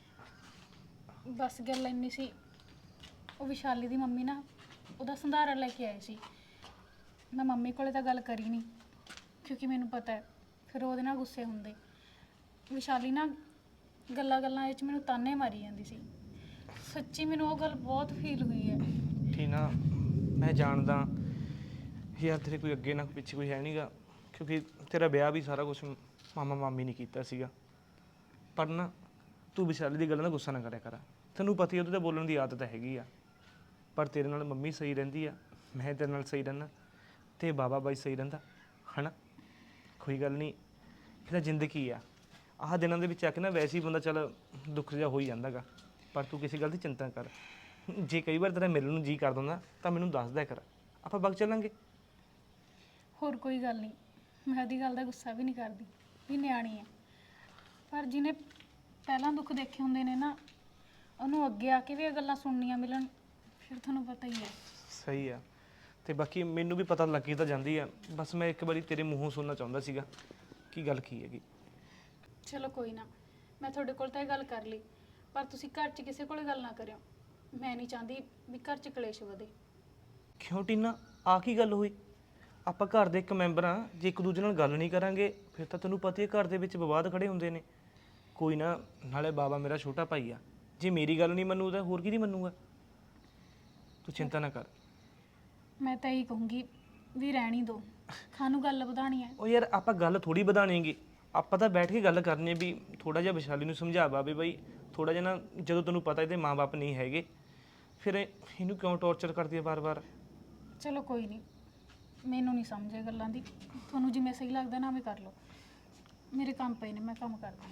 [SPEAKER 2] ਬਸ ਗੱਲ ਇੰਨੀ ਸੀ, ਉਹ ਵਿਸ਼ਾਲੀ ਦੀ ਮੰਮੀ ਨਾ ਉਹਦਾ ਸੰਧਾਰਾ ਲੈ ਕੇ ਆਏ ਸੀ। ਮੈਂ ਮੰਮੀ ਕੋਲੇ ਤਾਂ ਗੱਲ ਕਰੀ ਨਹੀਂ, ਕਿਉਂਕਿ ਮੈਨੂੰ ਪਤਾ ਹੈ ਫਿਰ ਉਹਦੇ ਨਾਲ ਗੁੱਸੇ ਹੁੰਦੇ। ਵਿਸ਼ਾਲੀ ਨਾ ਗੱਲਾਂ ਗੱਲਾਂ ਵਿੱਚ ਮੈਨੂੰ ਤਾਨੇ ਮਾਰੀ ਜਾਂਦੀ ਸੀ। ਸੱਚੀ ਮੈਨੂੰ ਉਹ ਗੱਲ ਬਹੁਤ ਫੀਲ ਹੋਈ ਹੈ।
[SPEAKER 5] ਟੀਨਾ ਮੈਂ ਜਾਣਦਾ ਯਾਰ ਤੇਰੇ ਕੋਈ ਅੱਗੇ ਨਾ ਪਿੱਛੇ ਕੋਈ ਹੈ ਨਹੀਂਗਾ, ਕਿਉਂਕਿ ਤੇਰਾ ਵਿਆਹ ਵੀ ਸਾਰਾ ਕੁਝ ਮਾਮਾ ਮਾਮੀ ਨੇ ਕੀਤਾ ਸੀਗਾ। ਪਰ ਨਾ ਤੂੰ ਵਿਸ਼ਾਲੀ ਦੀ ਗੱਲ ਨਾਲ ਗੁੱਸਾ ਨਾ ਕਰਿਆ ਕਰ। ਤੈਨੂੰ ਪਤਾ ਹੀ ਉਹਦੇ ਤਾਂ ਬੋਲਣ ਦੀ ਆਦਤ ਹੈਗੀ ਆ। ਪਰ ਤੇਰੇ ਨਾਲ ਮੰਮੀ ਸਹੀ ਰਹਿੰਦੀ ਆ, ਮੈਂ ਤੇਰੇ ਨਾਲ ਸਹੀ ਰਹਿੰਦਾ, ਤੇ ਬਾਬਾ ਬਾਈ ਸਹੀ ਰਹਿੰਦਾ ਹੈ ਨਾ। ਕੋਈ ਗੱਲ ਨਹੀਂ, ਇਹ ਤਾਂ ਜ਼ਿੰਦਗੀ ਆ। ਆਹ ਦਿਨਾਂ ਦੇ ਵਿੱਚ ਆ ਕੇ ਨਾ ਵੈਸੇ ਹੀ ਬੰਦਾ ਚੱਲ ਦੁੱਖ ਜਿਹਾ ਹੋ ਹੀ ਜਾਂਦਾਗਾ। ਪਰ ਤੂੰ ਕਿਸੇ ਗੱਲ ਦੀ ਚਿੰਤਾ ਕਰ। ਜੇ ਕਈ ਵਾਰ ਤੇਰਾ ਮਿਲਣ ਨੂੰ ਜੀ ਕਰ ਦਿੰਦਾ ਤਾਂ ਮੈਨੂੰ ਦੱਸ ਦਿਆ ਕਰ, ਆਪਾਂ ਵਗ ਚੱਲਾਂਗੇ।
[SPEAKER 2] ਹੋਰ ਕੋਈ ਗੱਲ ਨਹੀਂ, ਮੈਂ ਉਹਦੀ ਗੱਲ ਦਾ ਗੁੱਸਾ ਵੀ ਨਹੀਂ ਕਰਦੀ ਵੀ ਨਿਆਣੀ ਹੈ। ਪਰ ਜਿਹਨੇ ਪਹਿਲਾਂ ਦੁੱਖ ਦੇਖੇ ਹੁੰਦੇ ਨੇ ਨਾ, ਉਹਨੂੰ ਅੱਗੇ ਆ ਕੇ ਵੀ ਇਹ ਗੱਲਾਂ ਸੁਣਨੀਆਂ ਮਿਲਣ, ਫਿਰ ਤੁਹਾਨੂੰ ਪਤਾ ਹੀ ਹੈ।
[SPEAKER 5] ਸਹੀ ਆ। ਤੇ ਬਾਕੀ ਮੈਨੂੰ ਵੀ ਪਤਾ ਲੱਗੀ ਤਾਂ ਜਾਂਦੀ ਆ। ਬਸ ਮੈਂ ਇੱਕ ਵਾਰੀ ਤੇਰੇ ਮੂੰਹੋਂ ਸੁਣਨਾ ਚਾਹੁੰਦਾ ਸੀਗਾ ਕੀ ਗੱਲ ਕੀ ਹੈਗੀ।
[SPEAKER 2] ਚਲੋ ਕੋਈ ਨਾ, ਮੈਂ ਤੁਹਾਡੇ ਕੋਲ ਤਾਂ ਇਹ ਗੱਲ ਕਰ ਲਈ, ਪਰ ਤੁਸੀਂ ਘਰ 'ਚ ਕਿਸੇ ਕੋਲ ਗੱਲ ਨਾ ਕਰਿਓ। ਮੈਂ ਨਹੀਂ ਚਾਹੁੰਦੀ ਵੀ ਘਰ 'ਚ ਕਲੇਸ਼ ਵਧੇ।
[SPEAKER 5] ਕਿਉਂ ਟੀਨਾ, ਆ ਕੀ ਗੱਲ ਹੋਈ? ਆਪਾਂ ਘਰ ਦੇ ਇੱਕ ਮੈਂਬਰ ਆ, ਜੇ ਇੱਕ ਦੂਜੇ ਨਾਲ ਗੱਲ ਨਹੀਂ ਕਰਾਂਗੇ ਫਿਰ ਤਾਂ ਤੈਨੂੰ ਪਤਾ ਹੀ ਹੈ ਘਰ ਦੇ ਵਿੱਚ ਵਿਵਾਦ ਖੜੇ ਹੁੰਦੇ ਨੇ। ਕੋਈ ਨਾ, ਨਾਲੇ ਬਾਬਾ ਮੇਰਾ ਛੋਟਾ ਭਾਈ ਆ, ਜੇ ਮੇਰੀ ਗੱਲ ਨਹੀਂ ਮੰਨੂ ਤਾਂ ਹੋਰ ਕਿਹਦੀ ਮੰਨੂਗਾ? ਤੂੰ ਚਿੰਤਾ ਨਾ ਕਰ।
[SPEAKER 2] ਮੈਂ ਤਾਂ ਇਹੀ ਕਹੂੰਗੀ ਵੀ ਰਹਿਣੀ ਦੋ, ਖਾਨੂੰ ਗੱਲ ਵਧਾਣੀ ਹੈ।
[SPEAKER 5] ਉਹ ਯਾਰ ਆਪਾਂ ਗੱਲ ਥੋੜੀ ਵਧਾਣੀਗੀ, ਆਪਾਂ ਤਾਂ ਬੈਠ ਕੇ ਗੱਲ ਕਰਨੀ ਹੈ ਵੀ ਥੋੜਾ ਜਿਹਾ ਵਿਸ਼ਾਲੀ ਨੂੰ ਸਮਝਾਵਾ ਵੀ ਬਈ ਥੋੜਾ ਜਿਹਾ ਨਾ, ਜਦੋਂ ਤੈਨੂੰ ਪਤਾ ਇਹਦੇ ਮਾਂ-ਬਾਪ ਨਹੀਂ ਹੈਗੇ ਫਿਰ ਇਹਨੂੰ ਕਿਉਂ ਟੌਰਚਰ ਕਰਦੀ ਹੈ ਵਾਰ-ਵਾਰ।
[SPEAKER 2] ਚਲੋ ਕੋਈ ਨਹੀਂ, ਮੈਨੂੰ ਨਹੀਂ ਸਮਝੇ ਗੱਲਾਂ ਦੀ। ਤੁਹਾਨੂੰ ਜਿਵੇਂ ਸਹੀ ਲੱਗਦਾ ਨਾ ਉਵੇਂ ਕਰ ਲਓ। ਮੇਰੇ ਕੰਮ ਪਏ ਨੇ, ਮੈਂ ਕੰਮ ਕਰਦੀ।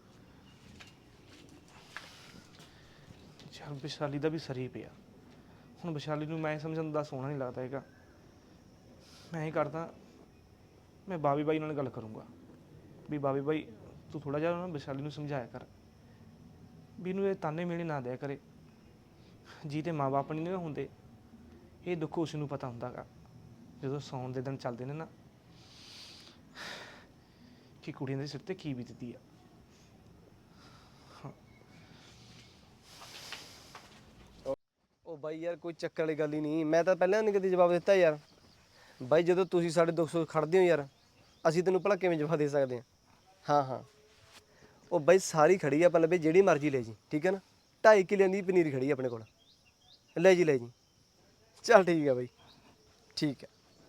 [SPEAKER 5] ਚੱਲ ਵਿਸ਼ਾਲੀ ਦਾ ਵੀ ਸਰੀ ਪਿਆ। ਹੁਣ ਵਿਸ਼ਾਲੀ ਨੂੰ ਮੈਂ ਸਮਝਣ ਦਾ ਸੋਹਣਾ ਨਹੀਂ ਲੱਗਦਾ ਹੈਗਾ। ਮੈਂ ਹੀ ਕਰਦਾ, ਮੈਂ ਬਾਬੀ ਬਾਈ ਨਾਲ ਗੱਲ ਕਰੂੰਗਾ ਵੀ ਬਾਬੀ ਬਾਈ ਤੂੰ ਥੋੜਾ ਜਿਹਾ ਨਾ ਵਿਸ਼ਾਲੀ ਨੂੰ ਸਮਝਾਇਆ ਕਰ ਵੀ ਇਹਨੂੰ ਇਹ ਤਾਨੇ ਮੇਲੇ ਨਾ ਦਿਆ ਕਰੇ। ਜੀ ਤੇ ਮਾਂ-ਬਾਪ ਨਹੀਂ ਨਾ ਹੁੰਦੇ, ਇਹ ਦੁੱਖ ਉਸ ਨੂੰ ਪਤਾ ਹੁੰਦਾ ਗਾ ਜਦੋਂ ਸੌਣ ਦੇ ਦਿਨ ਚੱਲਦੇ ਨੇ ਨਾ ਕਿ ਕੁੜੀਆਂ ਦੇ ਸਿਰ ਤੇ ਕੀ ਬੀਤਦੀ ਆ।
[SPEAKER 3] ਉਹ ਬਾਈ ਯਾਰ ਕੋਈ ਚੱਕਰ ਵਾਲੀ ਗੱਲ ਹੀ ਨਹੀਂ, ਮੈਂ ਤਾਂ ਪਹਿਲਾਂ ਨਹੀਂ ਕਦੇ ਜਵਾਬ ਦਿੱਤਾ ਯਾਰ। ਬਾਈ ਜਦੋਂ ਤੁਸੀਂ ਸਾਡੇ ਦੁੱਖ ਸੁੱਖ ਖੜਦੇ ਹੋ ਯਾਰ, ਅਸੀਂ ਤੈਨੂੰ ਭਲਾ ਕਿਵੇਂ ਜਵਾਬ ਦੇ ਸਕਦੇ ਹਾਂ। ਹਾਂ ਹਾਂ ਉਹ ਬਾਈ ਸਾਰੀ ਖੜੀ ਆ ਆਪਾਂ ਲੱਭੇ, ਜਿਹੜੀ ਮਰਜ਼ੀ ਲੈ ਜੀ, ਠੀਕ ਹੈ ਨਾ। ਢਾਈ ਕਿੱਲਿਆਂ ਦੀ ਪਨੀਰੀ ਖੜੀ ਆ ਆਪਣੇ ਕੋਲ, ਲੈ ਜੀ ਲੈ ਜੀ। ਚੱਲ ਠੀਕ ਆ ਬਾਈ, ਠੀਕ ਹੈ।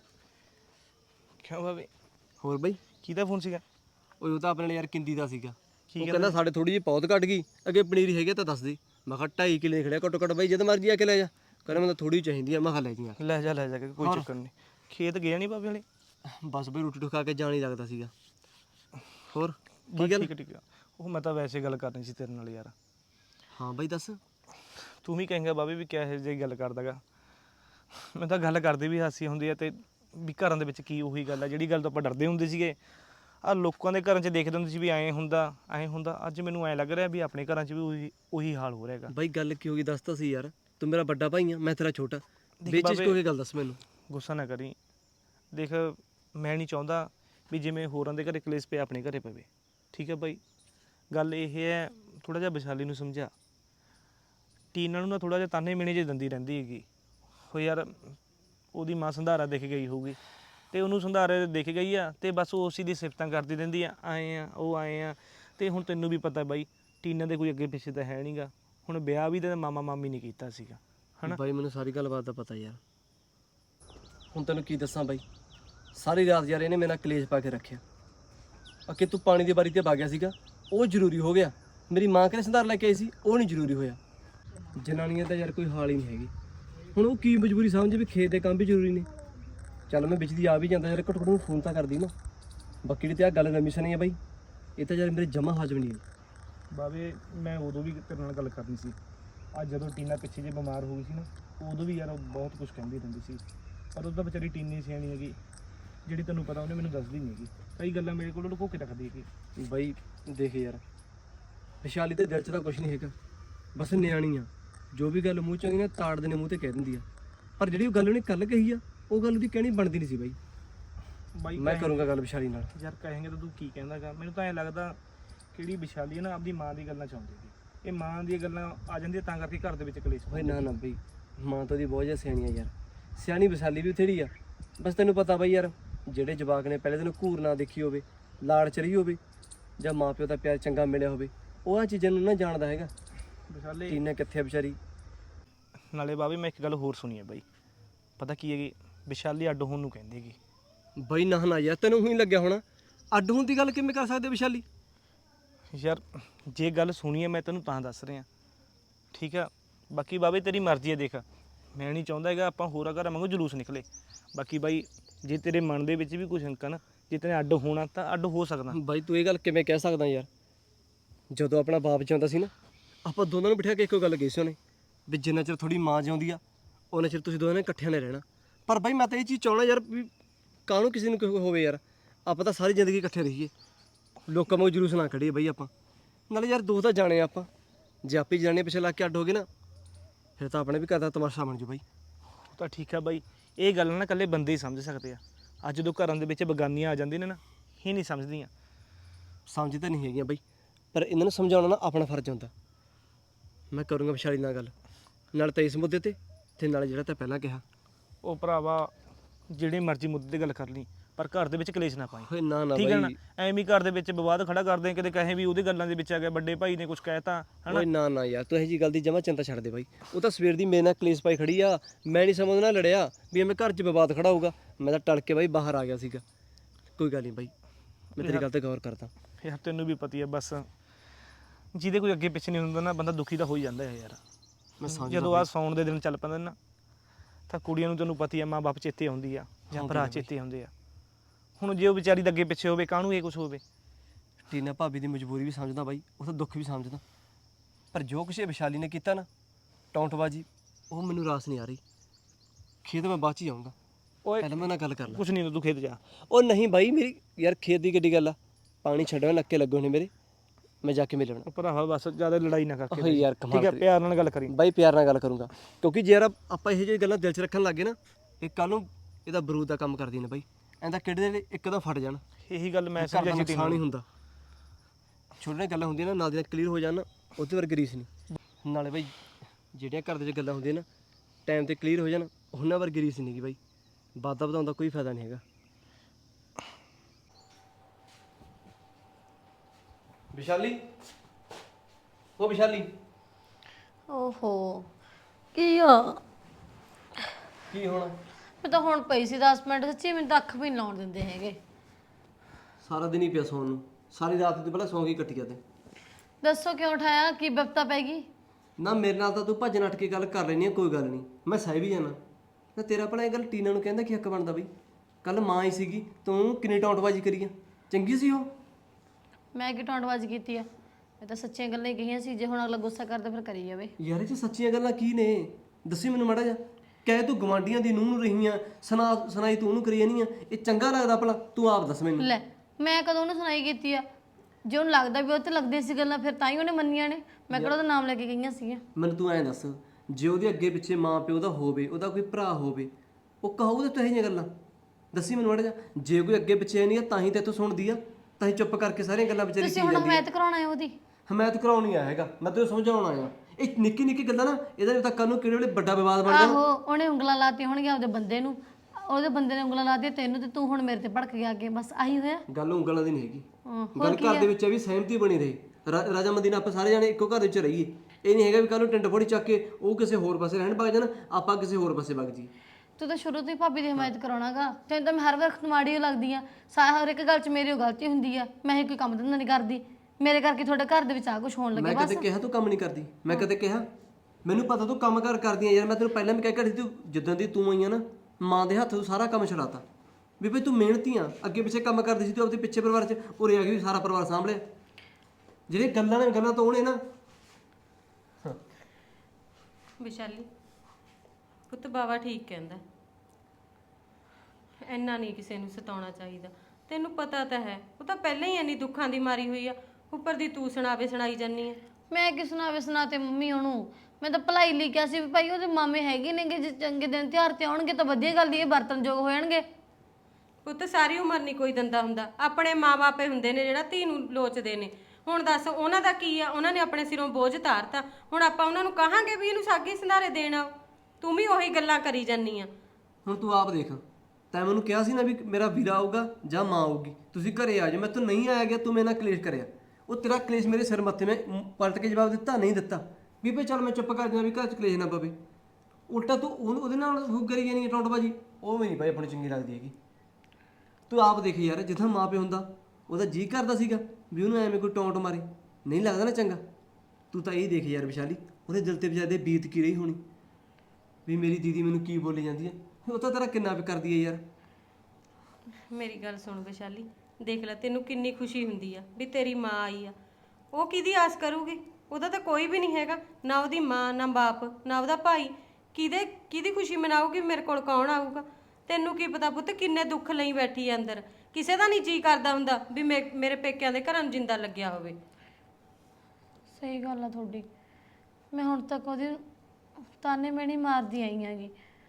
[SPEAKER 5] ਕਿਉਂ ਬਾਬੇ
[SPEAKER 3] ਹੋਰ ਬਾਈ
[SPEAKER 5] ਕਿਹਦਾ ਫੋਨ ਸੀਗਾ?
[SPEAKER 3] ਉਹ ਤਾਂ ਆਪਣੇ ਨਾਲ ਯਾਰ ਕਿੰਦੀ ਦਾ ਸੀਗਾ।
[SPEAKER 5] ਕੀ
[SPEAKER 3] ਉਹ ਕਹਿੰਦਾ ਸਾਡੇ ਥੋੜੀ ਜਿਹੀ ਪੌਦ ਘਟ ਗਈ, ਅੱਗੇ ਪਨੀਰੀ ਹੈਗੀ ਤਾਂ ਦੱਸ ਦੇ। ਮੈਂ ਕਿਹਾ ਢਾਈ ਕਿੱਲੇ ਖੜਿਆ ਘੱਟੋ ਘੱਟ ਬਾਈ, ਜਦ ਮਰਜ਼ੀ ਆ ਕੇ ਲੈ ਜਾ। ਕਹਿੰਦਾ ਮੈਨੂੰ ਥੋੜੀ ਚਾਹੀਦੀ ਆ। ਮੈਂ ਕਿਹਾ ਲੈ ਜੀ ਆ।
[SPEAKER 5] ਲੈ ਜਾ ਲੈ ਜਾ ਕੇ ਕੋਈ ਚੱਕਰ ਨਹੀਂ। ਖੇਤ ਗਿਆ ਨਹੀਂ ਬਾਬੇ ਵਾਲੇ?
[SPEAKER 3] ਬਸ ਬਈ ਰੋਟੀ ਟੁਕਾ ਕੇ ਜਾਣ ਹੀ ਲੱਗਦਾ ਸੀਗਾ। ਹੋਰ
[SPEAKER 5] ਕੀ ਗੱਲ? ਠੀਕ ਠੀਕ ਆ। ਉਹ ਮੈਂ ਤਾਂ ਵੈਸੇ ਗੱਲ ਕਰਨੀ ਸੀ ਤੇਰੇ ਨਾਲ ਯਾਰ।
[SPEAKER 3] ਹਾਂ ਬਾਈ ਦੱਸ।
[SPEAKER 5] ਤੂੰ ਵੀ ਕਹੇਂਗਾ ਬਾਬੇ ਵੀ ਕਿਹੋ ਜਿਹੀ ਗੱਲ ਕਰਦਾਗਾ। ਮੈਂ ਤਾਂ ਗੱਲ ਕਰਦੇ ਵੀ ਹਾਸੀ ਹੁੰਦੀ ਹੈ ਤੇ ਵੀ ਘਰਾਂ ਦੇ ਵਿੱਚ ਕੀ ਉਹੀ ਗੱਲ ਆ ਜਿਹੜੀ ਗੱਲ ਤੋਂ ਆਪਾਂ ਡਰਦੇ ਹੁੰਦੇ ਸੀਗੇ। ਆ ਲੋਕਾਂ ਦੇ ਘਰਾਂ 'ਚ ਦੇਖਦੇ ਹੁੰਦੇ ਸੀ ਵੀ ਐਂ ਹੁੰਦਾ ਐਂ ਹੁੰਦਾ। ਅੱਜ ਮੈਨੂੰ ਐਂ ਲੱਗ ਰਿਹਾ ਵੀ ਆਪਣੇ ਘਰਾਂ 'ਚ ਵੀ ਉਹੀ ਉਹੀ ਹਾਲ ਹੋ ਰਿਹਾ ਹੈਗਾ।
[SPEAKER 3] ਬਾਈ ਗੱਲ ਕੀ ਹੋ ਗਈ ਦੱਸ ਤਾਂ ਸੀ ਯਾਰ। ਤੂੰ ਮੇਰਾ ਵੱਡਾ ਭਾਈ ਆ, ਮੈਂ ਤੇਰਾ ਛੋਟਾ। ਵਿੱਚ ਇਸ ਕੋਈ ਗੱਲ ਦੱਸ ਮੈਨੂੰ।
[SPEAKER 5] ਗੁੱਸਾ ਨਾ ਕਰੀ। ਦੇਖ ਮੈਂ ਨਹੀਂ ਚਾਹੁੰਦਾ ਵੀ ਜਿਵੇਂ ਹੋਰਾਂ ਦੇ ਘਰੇ ਕਲੇਸ਼ ਪਿਆ ਆਪਣੇ ਘਰੇ ਪਵੇ, ਠੀਕ ਹੈ ਬਾਈ। ਗੱਲ ਇਹ ਹੈ ਥੋੜ੍ਹਾ ਜਿਹਾ ਵਿਸ਼ਾਲੀ ਨੂੰ ਸਮਝਾ। ਟੀਨਾ ਨੂੰ ਨਾ ਥੋੜ੍ਹਾ ਜਿਹਾ ਤਾਨੇ ਮਿਹਣੇ ਜਿਹੇ ਦਿੰਦੀ ਰਹਿੰਦੀ ਹੈਗੀ। ਹੋ ਯਾਰ ਉਹਦੀ ਮਾਂ ਸੰਧਾਰਾ ਦੇਖ ਗਈ ਹੋਊਗੀ ਤੇ ਉਹਨੂੰ ਸੰਧਾਰੇ ਦੇਖ ਗਈ ਆ ਤੇ ਬਸ ਉਹ ਉਸੀ ਦੀ ਸਿਫਤਾਂ ਕਰਦੀ ਰਹਿੰਦੀ ਆ, ਆਏ ਆ ਉਹ ਆਏ ਆ। ਤੇ ਹੁਣ ਤੈਨੂੰ ਵੀ ਪਤਾ ਬਾਈ ਟੀਨਾ ਦੇ ਕੋਈ ਅੱਗੇ ਪਿੱਛੇ ਤਾਂ ਹੈ ਨਹੀਂਗਾ। ਹੁਣ ਵਿਆਹ ਵੀ ਤਾਂ ਮਾਮਾ ਮਾਮੀ ਨੇ ਕੀਤਾ ਸੀਗਾ ਹਨਾ
[SPEAKER 3] ਬਾਈ। ਮੈਨੂੰ ਸਾਰੀ ਗੱਲਬਾਤ ਦਾ ਪਤਾ ਯਾਰ। ਹੁਣ ਤੈਨੂੰ ਕੀ ਦੱਸਾਂ ਬਾਈ, ਸਾਰੀ ਰਾਤ ਯਾਰ ਇਹਨੇ ਮੇਰੇ ਨਾਲ ਕਲੇਸ਼ ਪਾ ਕੇ ਰੱਖਿਆ। ਅੱਗੇ ਤੂੰ ਪਾਣੀ ਦੀ ਬਾਰੀ ਤੇ ਵਗ ਗਿਆ ਸੀਗਾ, ਉਹ ਜ਼ਰੂਰੀ ਹੋ ਗਿਆ। ਮੇਰੀ ਮਾਂ ਘਰੇ ਸੰਧਾਰ ਲੈ ਕੇ ਆਈ ਸੀ, ਉਹ ਨਹੀਂ ਜ਼ਰੂਰੀ ਹੋਇਆ। ਜਨਾਨੀਆਂ ਤਾਂ ਯਾਰ ਕੋਈ ਹਾਲ ਹੀ ਨਹੀਂ ਹੈਗੀ। ਹੁਣ ਉਹ ਕੀ ਮਜਬੂਰੀ ਸਮਝੇ ਵੀ ਖੇਤ ਦੇ ਕੰਮ ਵੀ ਜ਼ਰੂਰੀ ਨੇ। ਚੱਲ ਮੈਂ ਵਿੱਚ ਦੀ ਆ ਵੀ ਜਾਂਦਾ ਯਾਰ, ਘੱਟੋ ਘੱਟ ਨੂੰ ਫੋਨ ਤਾਂ ਕਰਦੀ ਨਾ। ਬਾਕੀ ਦੀ ਤੇ ਆ ਗੱਲ ਨਵੀਂ ਸੁਣੀ ਹੈ ਬਾਈ, ਇਹ ਤਾਂ ਯਾਰ ਮੇਰੇ ਜਮਾ ਹਾਜ਼ਮ ਨਹੀਂ ਹੈ।
[SPEAKER 5] ਬਾਵੇ ਮੈਂ ਉਦੋਂ ਵੀ ਤੇਰੇ ਨਾਲ ਗੱਲ ਕਰਨੀ ਸੀ। ਅੱਜ ਜਦੋਂ ਟੀਨਾ ਪਿੱਛੇ ਜੇ ਬਿਮਾਰ ਹੋ ਗਈ ਸੀ ਨਾ, ਉਦੋਂ ਵੀ ਯਾਰ ਉਹ ਬਹੁਤ ਕੁਝ ਕਹਿੰਦੀ ਰਹਿੰਦੀ ਸੀ। ਪਰ ਉਹ ਤਾਂ ਵਿਚਾਰੀ ਟੀਨੀ ਸਿਆਣੀ ਹੈਗੀ, ਜਿਹੜੀ ਤੈਨੂੰ ਪਤਾ ਉਹਨੇ ਮੈਨੂੰ ਦੱਸਦੀ ਨਹੀਂ ਹੈਗੀ। ਕਈ ਗੱਲਾਂ ਮੇਰੇ ਕੋਲ ਲੁਕੋ ਕੇ ਰੱਖਦੀ ਹੈਗੀ।
[SPEAKER 3] ਬਾਈ ਦੇਖ ਯਾਰ, ਵਿਸ਼ਾਲੀ ਤੇ ਦਿਲ 'ਚ ਤਾਂ ਕੁਝ ਨਹੀਂ ਹੈਗਾ, ਬਸ ਨਿਆਣੀ ਆ। ਜੋ ਵੀ ਗੱਲ ਮੂੰਹ 'ਚ ਆਉਂਦੀ ਨਾ ਤਾੜਦੇ ਨੇ ਮੂੰਹ ਤੇ ਕਹਿ ਦਿੰਦੀ ਆ। ਪਰ ਜਿਹੜੀ ਉਹ ਗੱਲ ਉਹਨੇ ਕੱਲ ਕਹੀ ਆ, ਉਹ ਗੱਲ ਉਹਦੀ ਕਹਿਣੀ ਬਣਦੀ ਨਹੀਂ ਸੀ ਬਾਈ।
[SPEAKER 5] ਬਾਈ
[SPEAKER 3] ਮੈਂ ਕਰੂੰਗਾ ਗੱਲ ਵਿਸ਼ਾਲੀ ਨਾਲ।
[SPEAKER 5] ਯਾਰ ਕਹੇਂਗੇ ਤਾਂ ਤੂੰ ਕੀ ਕਹਿੰਦਾਗਾ। ਮੈਨੂੰ ਤਾਂ ਐਂ ਲੱਗਦਾ ਕਿਹੜੀ ਵਿਸ਼ਾਲੀ ਹੈ ਨਾ ਆਪਦੀ ਮਾਂ ਦੀ ਗੱਲਾਂ ਚਾਹੁੰਦੀ ਸੀ। ਇਹ ਮਾਂ ਦੀਆਂ ਗੱਲਾਂ ਆ ਜਾਂਦੀਆਂ ਤਾਂ ਕਰਕੇ ਘਰ ਦੇ ਵਿੱਚ ਕਲੇਸ਼
[SPEAKER 3] ਬਾਈ ਨਾ ਨਾ ਬਾਈ, ਮਾਂ ਤਾਂ ਉਹਦੀ ਬਹੁਤ ਜ਼ਿਆਦਾ ਸਿਆਣੀ ਆ ਯਾਰ। ਸਿਆਣੀ ਵਿਸ਼ਾਲੀ ਵੀ ਬਥੇਰੀ ਆ। ਬਸ ਤੈਨੂੰ ਪਤਾ ਬਾਈ ਯਾਰ, ਜਿਹੜੇ ਜਵਾਕ ਨੇ ਪਹਿਲੇ ਦਿਨ ਘੂਰ ਨਾ ਦੇਖੀ ਹੋਵੇ, ਲਾੜ ਚਰੀ ਹੋਵੇ, ਜਾਂ ਮਾਂ ਪਿਓ ਦਾ ਪਿਆਰ ਚੰਗਾ ਮਿਲਿਆ ਹੋਵੇ, ਉਹ ਆ ਚੀਜ਼ਾਂ ਨੂੰ ਨਾ ਜਾਣਦਾ ਹੈਗਾ।
[SPEAKER 5] ਵਿਸ਼ਾਲੀ
[SPEAKER 3] ਟੀਨਾ ਕਿੱਥੇ ਆ ਵਿਚਾਰੀ।
[SPEAKER 5] ਨਾਲੇ ਬਾਬੇ ਮੈਂ ਇੱਕ ਗੱਲ ਹੋਰ ਸੁਣੀ ਹੈ ਬਾਈ। ਪਤਾ ਕੀ ਹੈਗੀ, ਵਿਸ਼ਾਲੀ ਅੱਡ ਹੋਣ ਨੂੰ ਕਹਿੰਦੀ ਹੈਗੀ।
[SPEAKER 3] ਬਾਈ ਨਾ ਨਾ ਯਾਰ, ਤੈਨੂੰ ਹੀ ਲੱਗਿਆ ਹੋਣਾ। ਅੱਡ ਹੋਣ ਦੀ ਗੱਲ ਕਿਵੇਂ ਕਰ ਸਕਦੇ ਵਿਸ਼ਾਲੀ?
[SPEAKER 5] ਯਾਰ ਜੇ ਗੱਲ ਸੁਣੀ ਹੈ ਮੈਂ ਤੈਨੂੰ ਤਾਂ ਦੱਸ ਰਿਹਾ, ਠੀਕ ਆ। ਬਾਕੀ ਬਾਬੇ ਤੇਰੀ ਮਰਜ਼ੀ ਹੈ। ਦੇਖ ਮੈਂ ਨਹੀਂ ਚਾਹੁੰਦਾ ਹੈਗਾ ਆਪਾਂ ਹੋਰਾਂ ਘਰਾਂ ਵਾਂਗੂ ਜਲੂਸ ਨਿਕਲੇ। ਬਾਕੀ ਬਾਈ ਜੇ ਤੇਰੇ ਮਨ ਦੇ ਵਿੱਚ ਵੀ ਕੁਝ ਸ਼ੰਕਾ ਨਾ, ਜੇ ਤੈਨੇ ਅੱਡ ਹੋਣਾ ਤਾਂ ਅੱਡ ਹੋ ਸਕਦਾ।
[SPEAKER 3] ਬਾਈ ਤੂੰ ਇਹ ਗੱਲ ਕਿਵੇਂ ਕਹਿ ਸਕਦਾ ਯਾਰ? ਜਦੋਂ ਆਪਣਾ ਬਾਪ ਜਿਉਂਦਾ ਸੀ ਨਾ, ਆਪਾਂ ਦੋਨਾਂ ਨੂੰ ਬਿਠਾ ਕੇ ਇੱਕੋ ਗੱਲ ਕਹੀ ਸੀ ਉਹਨੇ, ਵੀ ਜਿੰਨਾ ਚਿਰ ਥੋੜੀ ਮਾਂ ਜਿਉਂਦੀ ਆ ਉਹਨਾਂ ਚਿਰ ਤੁਸੀਂ ਦੋਨਾਂ ਨੇ ਇਕੱਠਿਆਂ ਨੇ ਰਹਿਣਾ। ਪਰ ਬਾਈ ਮੈਂ ਤਾਂ ਇਹ ਚੀਜ਼ ਚਾਹਣਾ ਯਾਰ ਵੀ ਕਾਹਨੂੰ ਕਿਸੇ ਨੂੰ ਕੋਈ ਹੋਵੇ ਯਾਰ। ਆਪਾਂ ਤਾਂ ਸਾਰੀ ਜ਼ਿੰਦਗੀ ਇਕੱਠੇ ਰਹੀਏ, ਲੋਕਾਂ ਵਾਂਗੂ ਜਲੂਸ ਨਾ ਕੱਢੀਏ ਬਾਈ ਆਪਾਂ। ਨਾਲੇ ਯਾਰ ਦੋ ਤਾਂ ਜਾਣੇ ਆ ਆਪਾਂ, ਜੇ ਆਪੇ ਜਾਣੇ ਪਿੱਛੇ ਲੱਗ ਕੇ ਅੱਡ ਹੋ ਗਏ ਨਾ, ਫਿਰ ਤਾਂ ਆਪਣੇ ਵੀ ਘਰ ਦਾ ਤਮਾਸ਼ਾ ਬਣ ਜੂ ਬਾਈ।
[SPEAKER 5] ਉਹ ਤਾਂ ਠੀਕ ਆ ਬਾਈ, ਇਹ ਗੱਲ ਨਾ ਇਕੱਲੇ ਬੰਦੇ ਹੀ ਸਮਝ ਸਕਦੇ ਆ। ਅੱਜ ਜਦੋਂ ਘਰਾਂ ਦੇ ਵਿੱਚ ਬਗਾਨੀਆਂ ਆ ਜਾਂਦੀਆਂ ਨੇ ਨਾ, ਇਹ ਨਹੀਂ ਸਮਝਦੀਆਂ।
[SPEAKER 3] ਸਮਝ ਤਾਂ ਨਹੀਂ ਹੈਗੀਆਂ ਬਾਈ, ਪਰ ਇਹਨਾਂ ਨੂੰ ਸਮਝਾਉਣਾ ਨਾ ਆਪਣਾ ਫਰਜ਼ ਹੁੰਦਾ। ਮੈਂ ਕਰੂੰਗਾ ਵਿਸ਼ਾਲੀ ਨਾਲ ਗੱਲ, ਨਾਲ ਤਾਂ ਇਸ ਮੁੱਦੇ ਤੇ ਤੇ ਨਾਲ ਜਿਹੜਾ ਤਾਂ ਪਹਿਲਾਂ ਕਿਹਾ।
[SPEAKER 5] ਉਹ ਭਰਾਵਾ ਜਿਹੜੇ ਮਰਜ਼ੀ ਮੁੱਦੇ ਤੇ ਗੱਲ ਕਰ ਲਈ, ਪਰ ਘਰ ਦੇ ਵਿੱਚ ਕਲੇਸ਼ ਨਾ ਪਾਈ,
[SPEAKER 3] ਓਏ ਨਾ ਨਾ
[SPEAKER 5] ਠੀਕ ਹੈ ਨਾ।
[SPEAKER 3] ਬਾਈ,
[SPEAKER 5] ਐਵੇਂ ਹੀ ਘਰ ਦੇ ਵਿੱਚ ਵਿਵਾਦ ਖੜਾ ਕਰਦੇ, ਕਿਤੇ ਕਹੇ ਵੀ ਉਹਦੇ ਗੱਲਾਂ ਦੇ ਵਿੱਚ ਆ ਗਿਆ, ਵੱਡੇ ਭਾਈ ਨੇ ਕੁਝ ਕਹਿਤਾ ਹਨਾ।
[SPEAKER 3] ਓਏ ਨਾ ਨਾ ਯਾਰ, ਤੂੰ ਇਹੋ ਜੀ ਗੱਲ ਦੀ ਜਮਾ ਚਿੰਤਾ ਛੱਡ ਦੇ ਬਾਈ। ਉਹ ਤਾਂ ਸਵੇਰ ਦੀ ਮੇਰੇ ਨਾਲ ਕਲੇਸ਼ ਪਾਈ ਖੜੀ ਆ। ਮੈਂ ਨਹੀਂ ਸਮਝ ਨਾਲ ਲੜਿਆ ਵੀ ਐਵੇਂ ਘਰ 'ਚ ਵਿਵਾਦ ਖੜਾ ਹੋਊਗਾ। ਮੈਂ ਤਾਂ ਟਲ ਕੇ ਬਾਈ ਬਾਹਰ ਆ ਗਿਆ ਸੀਗਾ। ਕੋਈ ਗੱਲ ਨਹੀਂ ਬਾਈ, ਮੈਂ ਤੇਰੀ ਗੱਲ ਤੇ ਗੌਰ ਕਰਦਾ।
[SPEAKER 5] ਯਾਰ ਤੈਨੂੰ ਵੀ ਪਤੀ ਹੈ, ਬਸ ਜਿਹਦੇ ਕੋਈ ਅੱਗੇ ਪਿੱਛੇ ਨਹੀਂ ਹੁੰਦਾ ਨਾ, ਬੰਦਾ ਦੁਖੀ ਤਾਂ ਹੋ ਹੀ ਜਾਂਦਾ ਹੈ ਯਾਰ।
[SPEAKER 3] ਮੈਂ ਸਮਝਦਾ
[SPEAKER 5] ਜਦੋਂ ਆ ਸੌਣ ਦੇ ਦਿਨ ਚੱਲ ਪੈਂਦੇ ਨਾ, ਤਾਂ ਕੁੜੀਆਂ ਨੂੰ ਤੈਨੂੰ ਪਤੀ ਹੈ ਮਾਂ ਬਾਪ ਚੇਤੇ ਆਉਂਦੀ ਆ ਜਾਂ ਭਰਾ ਚੇਤੇ ਆਉਂਦੇ ਆ। ਹੁਣ ਜੇ ਉਹ ਵਿਚਾਰੀ ਦੇ ਅੱਗੇ ਪਿੱਛੇ ਹੋਵੇ, ਕਾਹਨੂੰ ਇਹ ਕੁਝ ਹੋਵੇ।
[SPEAKER 3] ਟੀਨਾ ਭਾਬੀ ਦੀ ਮਜਬੂਰੀ ਵੀ ਸਮਝਦਾ ਬਾਈ, ਉਹਦਾ ਦੁੱਖ ਵੀ ਸਮਝਦਾ। ਪਰ ਜੋ ਕੁਛ ਇਹ ਵਿਸ਼ਾਲੀ ਨੇ ਕੀਤਾ ਨਾ, ਟੌਂਟਬਾਜੀ, ਉਹ ਮੈਨੂੰ ਰਾਸ ਨਹੀਂ ਆ ਰਹੀ। ਖੇਤ ਮੈਂ ਬਾਅਦ 'ਚ ਹੀ ਜਾਊਂਗਾ।
[SPEAKER 5] ਓਏ
[SPEAKER 3] ਪਹਿਲਾਂ ਮੈਂ ਨਾਲ ਗੱਲ ਕਰ ਲਾਂ।
[SPEAKER 5] ਕੁਛ ਨਹੀਂ ਹੁੰਦਾ, ਤੂੰ ਖੇਤ ਜਾ।
[SPEAKER 3] ਉਹ ਨਹੀਂ ਬਾਈ, ਮੇਰੀ ਯਾਰ ਖੇਤ ਦੀ ਕਿੱਡੀ ਗੱਲ ਆ, ਪਾਣੀ ਛੱਡਣ ਨੱਕੇ ਲੱਗੋ ਨੇ ਮੇਰੇ, ਮੈਂ ਜਾ ਕੇ ਮਿਲਣਾ।
[SPEAKER 5] ਉਹ ਭਰਾਵਾ ਬਸ ਜ਼ਿਆਦਾ ਲੜਾਈ ਨਾ ਕਰਕੇ
[SPEAKER 3] ਓਏ ਯਾਰ ਕਮਾਲ
[SPEAKER 5] ਠੀਕ ਹੈ,
[SPEAKER 3] ਕਰੀ।
[SPEAKER 5] ਪਿਆਰ ਨਾਲ ਗੱਲ ਕਰੀ।
[SPEAKER 3] ਬਾਈ ਪਿਆਰ ਨਾਲ ਗੱਲ ਕਰੂੰਗਾ, ਕਿਉਂਕਿ ਜੇ ਯਾਰ ਆਪਾਂ ਇਹੋ ਜਿਹੀ ਗੱਲਾਂ ਦਿਲ 'ਚ ਰੱਖਣ ਲੱਗੇ ਨਾ, ਇਹ ਕੱਲ ਨੂੰ ਇਹਦਾ ਬਰੂਦ ਦਾ ਕੰਮ ਕਰਦੀ ਨੇ ਬਾਈ, ਐਂਦਾ ਕਿਹੜੇ ਦੇ ਇੱਕਦਮ ਫਟ ਜਾਣ।
[SPEAKER 5] ਇਹੀ ਗੱਲ ਮੈਂ
[SPEAKER 3] ਘਰ ਦਾ
[SPEAKER 5] ਸਮਝਿਆ ਸੀ
[SPEAKER 3] ਨੁਕਸਾਨ ਹੀ
[SPEAKER 5] ਤੈਨੂੰ।
[SPEAKER 3] ਹੁੰਦਾ। ਛੋਟੀਆਂ ਗੱਲਾਂ ਹੁੰਦੀਆਂ ਨਾ, ਨਾਲ ਦੀਆਂ ਕਲੀਅਰ ਹੋ ਜਾਣ ਨਾ, ਉਹਦੇ ਵਰਗੀ ਰੀਸ ਨਹੀਂ। ਨਾਲੇ ਬਾਈ ਜਿਹੜੀਆਂ ਘਰ ਦੇ ਵਿੱਚ ਗੱਲਾਂ ਹੁੰਦੀਆਂ ਨਾ, ਟਾਈਮ ਤੇ ਕਲੀਅਰ ਹੋ ਜਾਣ, ਉਹਨਾਂ ਵਰਗੀ ਰੀਸ ਨਹੀਂ ਗੀ ਬਾਈ। ਵਾਧਾ ਵਧਾਉਣ ਦਾ ਕੋਈ ਫਾਇਦਾ ਨਹੀਂ ਹੈਗਾ। ਵਿਸ਼ਾਲੀ, ਉਹ ਵਿਸ਼ਾਲੀ,
[SPEAKER 4] ਓਹੋ ਕੀ ਆ?
[SPEAKER 3] ਕੀ ਹੋਣਾ?
[SPEAKER 4] ਮੈਂ ਤਾਂ ਹੁਣ ਪਈ ਸੀ ਦਸ ਮਿੰਟ, ਸੱਚੀ ਮੈਨੂੰ ਤਾਂ ਅੱਖ ਵੀ ਨੀ ਲਾਉਣ ਦਿੰਦੇ ਹੈਗੇ।
[SPEAKER 3] ਸਾਰਾ ਦਿਨ ਹੀ ਪਿਆ ਸੌਣ ਨੂੰ, ਸਾਰੀ ਰਾਤ ਤੇ ਪਹਿਲਾਂ ਸੌਂ ਕੇ ਕੱਟੀ ਜਾਂਦੇ।
[SPEAKER 4] ਦੱਸੋ ਕਿਉਂ ਉਠਾਇਆ, ਕੀ ਬਿਪਤਾ ਪੈ ਗਈ?
[SPEAKER 3] ਨਾ ਮੇਰੇ ਨਾਲ ਤਾਂ ਤੂੰ ਭੱਜ ਨੱਠ ਕੇ ਗੱਲ ਕਰ ਲੈਣੀ ਆ, ਕੋਈ ਗੱਲ ਨਹੀਂ, ਮੈਂ ਸਹਿ ਵੀ ਜਾਣਾ। ਨਾ ਤੇਰਾ ਭਲਾ ਇਹ ਗੱਲ ਟੀਨਾ ਨੂੰ ਕਹਿੰਦਾ ਕੀ ਹੱਕ ਬਣਦਾ ਬਈ? ਕੱਲ ਮਾਂ ਹੀ ਸੀਗੀ, ਤੂੰ ਕਿੰਨੀ ਟੌਂਟਬਾਜ਼ੀ ਕਰੀ ਆ, ਚੰਗੀ ਸੀ ਉਹ?
[SPEAKER 4] ਮੈਂ ਕੀ ਟੌਂਟਬਾਜ਼ੀ ਕੀਤੀ ਆ? ਮੈਂ ਤਾਂ ਸੱਚੀਆਂ ਗੱਲਾਂ ਹੀ ਕਹੀਆਂ ਸੀ, ਜੇ ਹੁਣ ਅਗਲਾ ਗੁੱਸਾ ਕਰਦਾ ਫਿਰ ਕਰੀ ਜਾਵੇ।
[SPEAKER 3] ਯਾਰ ਇਹ 'ਚ ਸੱਚੀਆਂ ਗੱਲਾਂ ਕੀ ਨੇ, ਦੱਸੀ ਮੈਨੂੰ ਮਾੜਾ ਜਿਹਾ। ਕਹਿ ਤੂੰ ਗਵਾਂਡੀਆਂ ਦੀ ਨੂੰਹ ਨੂੰ ਰਹੀਆਂ, ਸੁਣਾ ਸੁਣਾਈ ਤੂੰ ਉਹਨੂੰ ਕਰੀ ਜਾਨੀ ਆ, ਇਹ ਚੰਗਾ ਲੱਗਦਾ ਭਲਾ? ਤੂੰ ਆਪ ਦੱਸ ਮੈਨੂੰ।
[SPEAKER 4] ਲੈ ਮੈਂ ਕਦੋਂ ਉਹਨੂੰ ਸੁਣਾਈ ਕੀਤੀ ਆ? ਜੇ ਉਹਨੂੰ ਲੱਗਦਾ ਵੀ ਉਹ ਤੇ ਲੱਗਦੀਆਂ ਸੀ ਗੱਲਾਂ, ਫਿਰ ਤਾਂ ਹੀ ਉਹਨੇ ਮੰਨੀਆਂ ਨੇ। ਮੈਂ ਕਿਹੜਾ ਉਹਦਾ ਨਾਮ ਲੈ ਕੇ ਗਈਆਂ ਸੀਗੀਆਂ।
[SPEAKER 3] ਮੈਨੂੰ ਤੂੰ ਐਂ ਦੱਸ, ਜੇ ਉਹਦੇ ਅੱਗੇ ਪਿੱਛੇ ਮਾਂ ਪਿਓ ਦਾ ਹੋਵੇ, ਉਹਦਾ ਕੋਈ ਭਰਾ ਹੋਵੇ, ਉਹ ਕਹੂਗਾ ਤੂੰ ਇਹੋ ਜਿਹੀਆਂ ਗੱਲਾਂ? ਦੱਸੀ ਮੈਨੂੰ ਮਾੜਾ ਜਿਹਾ। ਜੇ ਕੋਈ ਅੱਗੇ ਪਿੱਛੇ ਨਹੀਂ ਆ ਤਾਂ ਹੀ ਤੇਤੋਂ ਸੁਣਦੀ ਆ, ਤਾਂ ਹੀ ਚੁੱਪ ਕਰਕੇ ਸਾਰੀਆਂ ਗੱਲਾਂ ਵਿਚਾਰੀ
[SPEAKER 4] ਤੁਸੀਂ
[SPEAKER 3] ਕੀ
[SPEAKER 4] ਹੁਣ
[SPEAKER 3] ਜਾਂਦੀ ਆ।
[SPEAKER 4] ਹਮਾਇਤ ਕਰਾਉਣਾ ਹੈ ਉਹਦੀ?
[SPEAKER 3] ਹਮਾਇਤ ਕਰਾਉਣ ਨਹੀਂ ਆਇਆ ਹੈਗਾ, ਮੈਂ ਤੈਨੂੰ ਸਮਝਾਉਣ ਆਇਆ। ਇਹ ਨਿੱਕੀ ਨਿੱਕੀ ਗੱਲਾਂ ਨਾ, ਇਹਦੇ ਤੱਕ ਨੂੰ ਕਿਹੜੇ ਵੇਲੇ ਵੱਡਾ ਵਿਵਾਦ ਬਣ ਜਾਣਾ।
[SPEAKER 4] ਆਹੋ ਉਹਨੇ ਉਂਗਲਾਂ ਲਾਤੀਆਂ ਹੋਣਗੀਆਂ ਆਪਦੇ ਬੰਦੇ ਨੂੰ, ਉਹਦੇ ਬੰਦੇ ਨੇ ਉਂਗਲਾਂ ਲਾਤੀਆਂ ਤੈਨੂੰ, ਤੇ ਤੂੰ ਹੁਣ ਮੇਰੇ ਤੇ ਭੜਕ ਗਿਆ ਅੱਗੇ। ਬਸ ਆਹੀ ਹੋਇਆ।
[SPEAKER 3] ਗੱਲ ਉਂਗਲਾਂ ਦੀ ਨਹੀਂ ਹੈਗੀ,
[SPEAKER 4] ਹਾਂ,
[SPEAKER 3] ਗੱਲ ਘਰ ਦੇ ਵਿੱਚ ਇਹ ਵੀ ਸਹਿਮਤੀ ਬਣੀ ਰਹੀ। ਰਾ- ਰਾਜਾਮੰਦੀ ਨਾਲ ਆਪਾਂ ਸਾਰੇ ਜਾਣੇ ਇੱਕੋ ਘਰ ਦੇ ਵਿੱਚ ਰਹੀਏ। ਇਹ ਨਹੀਂ ਹੈਗਾ ਵੀ ਕੱਲ ਨੂੰ ਟਿੰਡ ਫੋੜੀ ਚੱਕ ਕੇ ਉਹ ਕਿਸੇ ਹੋਰ ਪਾਸੇ ਰਹਿਣ ਵਗ ਜਾਣ, ਆਪਾਂ ਕਿਸੇ ਹੋਰ ਪਾਸੇ ਵਗ ਜੀ।
[SPEAKER 4] ਤੂੰ ਤਾਂ ਸ਼ੁਰੂ ਤੋਂ ਹੀ ਭਾਬੀ ਦੀ ਹਮਾਇਤ ਕਰਾਉਣਾਗਾ। ਤੈਨੂੰ ਤਾਂ ਮੈਂ ਹਰ ਵਕਤ ਮਾੜੀ ਓ ਲੱਗਦੀ ਆ, ਹਰ ਇੱਕ ਗੱਲ 'ਚ ਮੇਰੀ ਓ ਗਲਤੀ ਹੁੰਦੀ ਆ। ਮੈਂ ਇਹ ਕੋਈ ਕੰਮ ਧੰਦਾ ਨਹੀਂ ਕਰਦੀ, ਮੇਰੇ ਕਰਕੇ ਤੁਹਾਡੇ ਘਰ ਦੇ ਵਿੱਚ ਆ ਕੁਝ ਹੋਣ
[SPEAKER 3] ਮੈਂ
[SPEAKER 4] ਲੱਗੇ।
[SPEAKER 3] ਕਦੇ ਕਿਹਾ ਤੂੰ ਕੰਮ ਨਹੀਂ ਕਰਦੀ? ਮੈਂ ਕਦੇ ਕਿਹਾ? ਮੈਨੂੰ ਪਤਾ ਤੂੰ ਕੰਮ ਕਾਰ ਕਰਦੀ ਆ ਯਾਰ। ਮੈਂ ਤੈਨੂੰ ਪਹਿਲਾਂ ਵੀ ਕਹਿ ਕੇ ਹਟੀ, ਤੂੰ ਜਿੱਦਾਂ ਦੀ ਤੂੰ ਆਈ ਆ ਨਾ, ਮਾਂ ਦੇ ਹੱਥ ਤੋਂ ਸਾਰਾ ਕੰਮ ਛੁਡਾਤਾ ਵੀ ਭਾਈ ਤੂੰ ਮਿਹਨਤੀ ਆ। ਅੱਗੇ ਪਿੱਛੇ ਕੰਮ ਕਰਦੀ ਸੀ ਤੂੰ ਆਪਦੇ ਪਿੱਛੇ ਪਰਿਵਾਰ 'ਚ, ਉਰੇ ਆ ਕੇ ਵੀ ਸਾਰਾ ਪਰਿਵਾਰ ਸਾਂਭ ਲਿਆ। ਜਿਹੜੇ ਗੱਲਾਂ ਨੇ ਗੱਲਾਂ ਤਾਂ ਉਹਨੇ ਨਾ।
[SPEAKER 1] ਵਿਸ਼ਾਲੀ ਪੁੱਤ, ਬਾਵਾ ਠੀਕ ਕਹਿੰਦਾ, ਇੰਨਾ ਨਹੀਂ ਕਿਸੇ ਨੂੰ ਸਤਾਉਣਾ ਚਾਹੀਦਾ। ਤੈਨੂੰ ਪਤਾ ਤਾਂ ਹੈ ਉਹ ਤਾਂ ਪਹਿਲਾਂ ਹੀ ਇੰਨੀ ਦੁੱਖਾਂ ਦੀ ਮਾਰੀ ਹੋਈ ਆ, ਉੱਪਰ ਦੀ ਤੂੰ ਸੁਣਾਵੇ ਸੁਣਾਈ ਜਾਨੀ ਆ।
[SPEAKER 4] ਮੈਂ ਕਿਸ ਸੁਣਾਵੇ ਸੁਣਾ ਤੇ ਮੰਮੀ ਉਹਨੂੰ, ਮੈਂ ਤਾਂ ਭਲਾਈ ਲਈ ਕਿਹਾ ਸੀ ਵੀ ਭਾਈ ਉਹਦੇ ਮਾਮੇ ਹੈਗੇ ਨੇਗੇ, ਜੇ ਚੰਗੇ ਦਿਨ ਤਿਉਹਾਰ ਤੇ ਆਉਣਗੇ ਤਾਂ ਵਧੀਆ ਗੱਲ ਦੀ, ਇਹ ਬਰਤਨਯੋਗ ਹੋ ਜਾਣਗੇ।
[SPEAKER 1] ਪੁੱਤ ਸਾਰੀ ਉਮਰ ਨਹੀਂ ਕੋਈ ਦੰਦਾ ਹੁੰਦਾ, ਆਪਣੇ ਮਾਪੇ ਹੁੰਦੇ ਨੇ ਜਿਹੜਾ ਧੀ ਨੂੰ ਲੋਚਦੇ ਨੇ। ਹੁਣ ਦੱਸ ਉਹਨਾਂ ਦਾ ਕੀ ਆ, ਉਹਨਾਂ ਨੇ ਆਪਣੇ ਸਿਰੋਂ ਬੋਝ ਧਾਰਤਾ, ਹੁਣ ਆਪਾਂ ਉਹਨਾਂ ਨੂੰ ਕਹਾਂਗੇ ਵੀ ਇਹਨੂੰ ਸਾਗੇ ਸੰਧਾਰੇ ਦੇਣ ਆਓ? ਤੂੰ ਵੀ ਉਹੀ ਗੱਲਾਂ ਕਰੀ ਜਾਨੀ ਆ।
[SPEAKER 3] ਹੁਣ ਤੂੰ ਆਪ ਦੇਖ, ਤੈਂ ਮੈਨੂੰ ਕਿਹਾ ਸੀ ਨਾ ਵੀ ਮੇਰਾ ਵੀਰਾ ਆਊਗਾ ਜਾਂ ਮਾਂ ਆਊਗੀ, ਤੁਸੀਂ ਘਰੇ ਆ ਜਾਓ। ਮੈਂ ਤੂੰ ਨਹੀਂ ਆਇਆ ਗਿਆ, ਤੂੰ ਮੇਰੇ ਨਾਲ ਕਲੇਸ਼ ਕਰਿਆ। ਉਹ ਤੇਰਾ ਕਲੇਸ਼ ਮੇਰੇ ਸਿਰ ਮੱਥੇ, ਮੈਂ ਮ- ਪਲਟ ਕੇ ਜਵਾਬ ਦਿੱਤਾ ਨਹੀਂ ਦਿੱਤਾ ਵੀ ਭਈ ਚੱਲ ਮੈਂ ਚੁੱਪ ਕਰ ਜਾਣਾ ਵੀ ਘਰ 'ਚ ਕਲੇਸ਼ ਨਾ ਪਵੇ। ਉਲਟਾ ਤੂੰ ਉਹਨੂੰ ਉਹਦੇ ਨਾਲ ਹੁ ਕਰੀ ਜਾਨੀ ਟੌਂਟਬਾਜੀ, ਉਹ ਵੀ ਨਹੀਂ ਭਾਈ ਆਪਣੀ ਚੰਗੀ ਲੱਗਦੀ ਹੈਗੀ। ਤੂੰ ਆਪ ਦੇਖ ਯਾਰ, ਜਿੱਦਾਂ ਮਾਂ ਪਿਓ ਹੁੰਦਾ ਉਹਦਾ ਜੀ ਕਰਦਾ ਸੀਗਾ ਵੀ ਉਹਨੂੰ ਐਵੇਂ ਕੋਈ ਟੌਂਟ ਮਾਰੇ, ਨਹੀਂ ਲੱਗਦਾ ਨਾ ਚੰਗਾ। ਤੂੰ ਤਾਂ ਇਹ ਦੇਖ ਯਾਰ ਵਿਸ਼ਾਲੀ, ਉਹਦੇ ਦਿਲ ਤੇ ਵਿਚਾਰੇ ਬੀਤ ਕੀ ਰਹੀ ਹੋਣੀ ਵੀ ਮੇਰੀ ਦੀਦੀ ਮੈਨੂੰ ਕੀ ਬੋਲੀ ਜਾਂਦੀ ਹੈ। ਉਹ ਤਾਂ ਤੇਰਾ ਕਿੰਨਾ ਵੀ ਕਰਦੀ ਹੈ ਯਾਰ।
[SPEAKER 1] ਮੇਰੀ ਗੱਲ ਸੁਣ ਵਿਸ਼ਾਲੀ, ਦੇਖ ਲੈ ਤੈਨੂੰ ਕਿੰਨੀ ਖੁਸ਼ੀ ਹੁੰਦੀ ਆ ਵੀ ਤੇਰੀ ਮਾਂ ਆਈ ਆ। ਉਹ ਕਿਹਦੀ ਆਸ ਕਰੂਗੀ? ਉਹਦਾ ਤਾਂ ਕੋਈ ਵੀ ਨਹੀਂ ਹੈਗਾ, ਨਾ ਉਹਦੀ ਮਾਂ, ਨਾ ਬਾਪ, ਨਾ ਉਹਦਾ ਭਾਈ। ਕਿਹਦੇ ਕਿਹਦੀ ਖੁਸ਼ੀ ਮਨਾਊਗੀ? ਮੇਰੇ ਕੋਲ ਕੌਣ ਆਊਗਾ? ਤੈਨੂੰ ਕੀ ਪਤਾ ਪੁੱਤ ਕਿੰਨੇ ਦੁੱਖ ਲਈ ਬੈਠੀ ਆ ਅੰਦਰ। ਕਿਸੇ ਦਾ ਨਹੀਂ ਜੀ ਕਰਦਾ ਹੁੰਦਾ ਵੀ ਮੇ- ਮੇਰੇ ਪੇਕਿਆਂ ਦੇ ਘਰਾਂ ਨੂੰ ਜਿੰਦਾ ਲੱਗਿਆ ਹੋਵੇ।
[SPEAKER 4] ਸਹੀ ਗੱਲ ਆ ਤੁਹਾਡੀ। ਮੈਂ ਹੁਣ ਤੱਕ ਉਹਦੇ ਤਾਨੇ ਮੈਣੀ ਮਾਰਦੀ ਆਈ ਆਂਗੀ।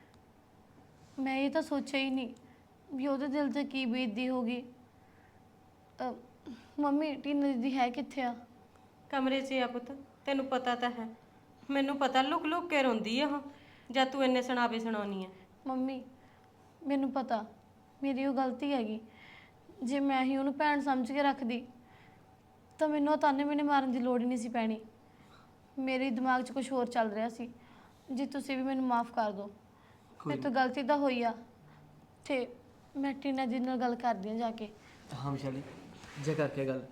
[SPEAKER 4] ਮੈਂ ਇਹ ਤਾਂ ਸੋਚਿਆ ਹੀ ਨਹੀਂ ਵੀ ਉਹਦੇ ਦਿਲ ਤੇ ਕੀ ਬੀਤਦੀ ਹੋਗੀ। ਅਹ, ਮੰਮੀ ਟੀਨਾ ਦੀਦੀ ਹੈ ਕਿੱਥੇ ਆ?
[SPEAKER 1] ਕਮਰੇ 'ਚ ਆ ਪੁੱਤ, ਤੈਨੂੰ ਪਤਾ ਤਾਂ ਹੈ। ਮੈਨੂੰ ਪਤਾ ਲੁਕ ਲੁਕ ਕੇ ਰੋਂਦੀ ਆ ਉਹ, ਜਦ ਤੂੰ ਇੰਨੇ ਸੁਣਾਵੇ ਸੁਣਾਉਣੀ ਆ।
[SPEAKER 4] ਮੰਮੀ ਮੈਨੂੰ ਪਤਾ ਮੇਰੀ ਉਹ ਗਲਤੀ ਹੈਗੀ। ਜੇ ਮੈਂ ਹੀ ਉਹਨੂੰ ਭੈਣ ਸਮਝ ਕੇ ਰੱਖਦੀ ਤਾਂ ਮੈਨੂੰ ਉਹ ਤਾਨੇ ਮੈਨੇ ਮਾਰਨ ਦੀ ਲੋੜ ਹੀ ਨਹੀਂ ਸੀ ਪੈਣੀ। ਮੇਰੇ ਦਿਮਾਗ 'ਚ ਕੁਝ ਹੋਰ ਚੱਲ ਰਿਹਾ ਸੀ। ਜੀ ਤੁਸੀਂ ਵੀ ਮੈਨੂੰ ਮਾਫ ਕਰ ਦਿਓ, ਮੇਰੇ ਤੋਂ ਗਲਤੀ ਤਾਂ ਹੋਈ ਆ। ਤੇ ਮੈਂ ਟੀਨਾ ਜੀ ਨਾਲ ਗੱਲ ਕਰਦੀ ਹਾਂ ਜਾ ਕੇ।
[SPEAKER 3] ਹਾਂ ਵਿਸ਼ਾਲੀ, ਜੇ ਕਰਕੇ ਗੱਲ।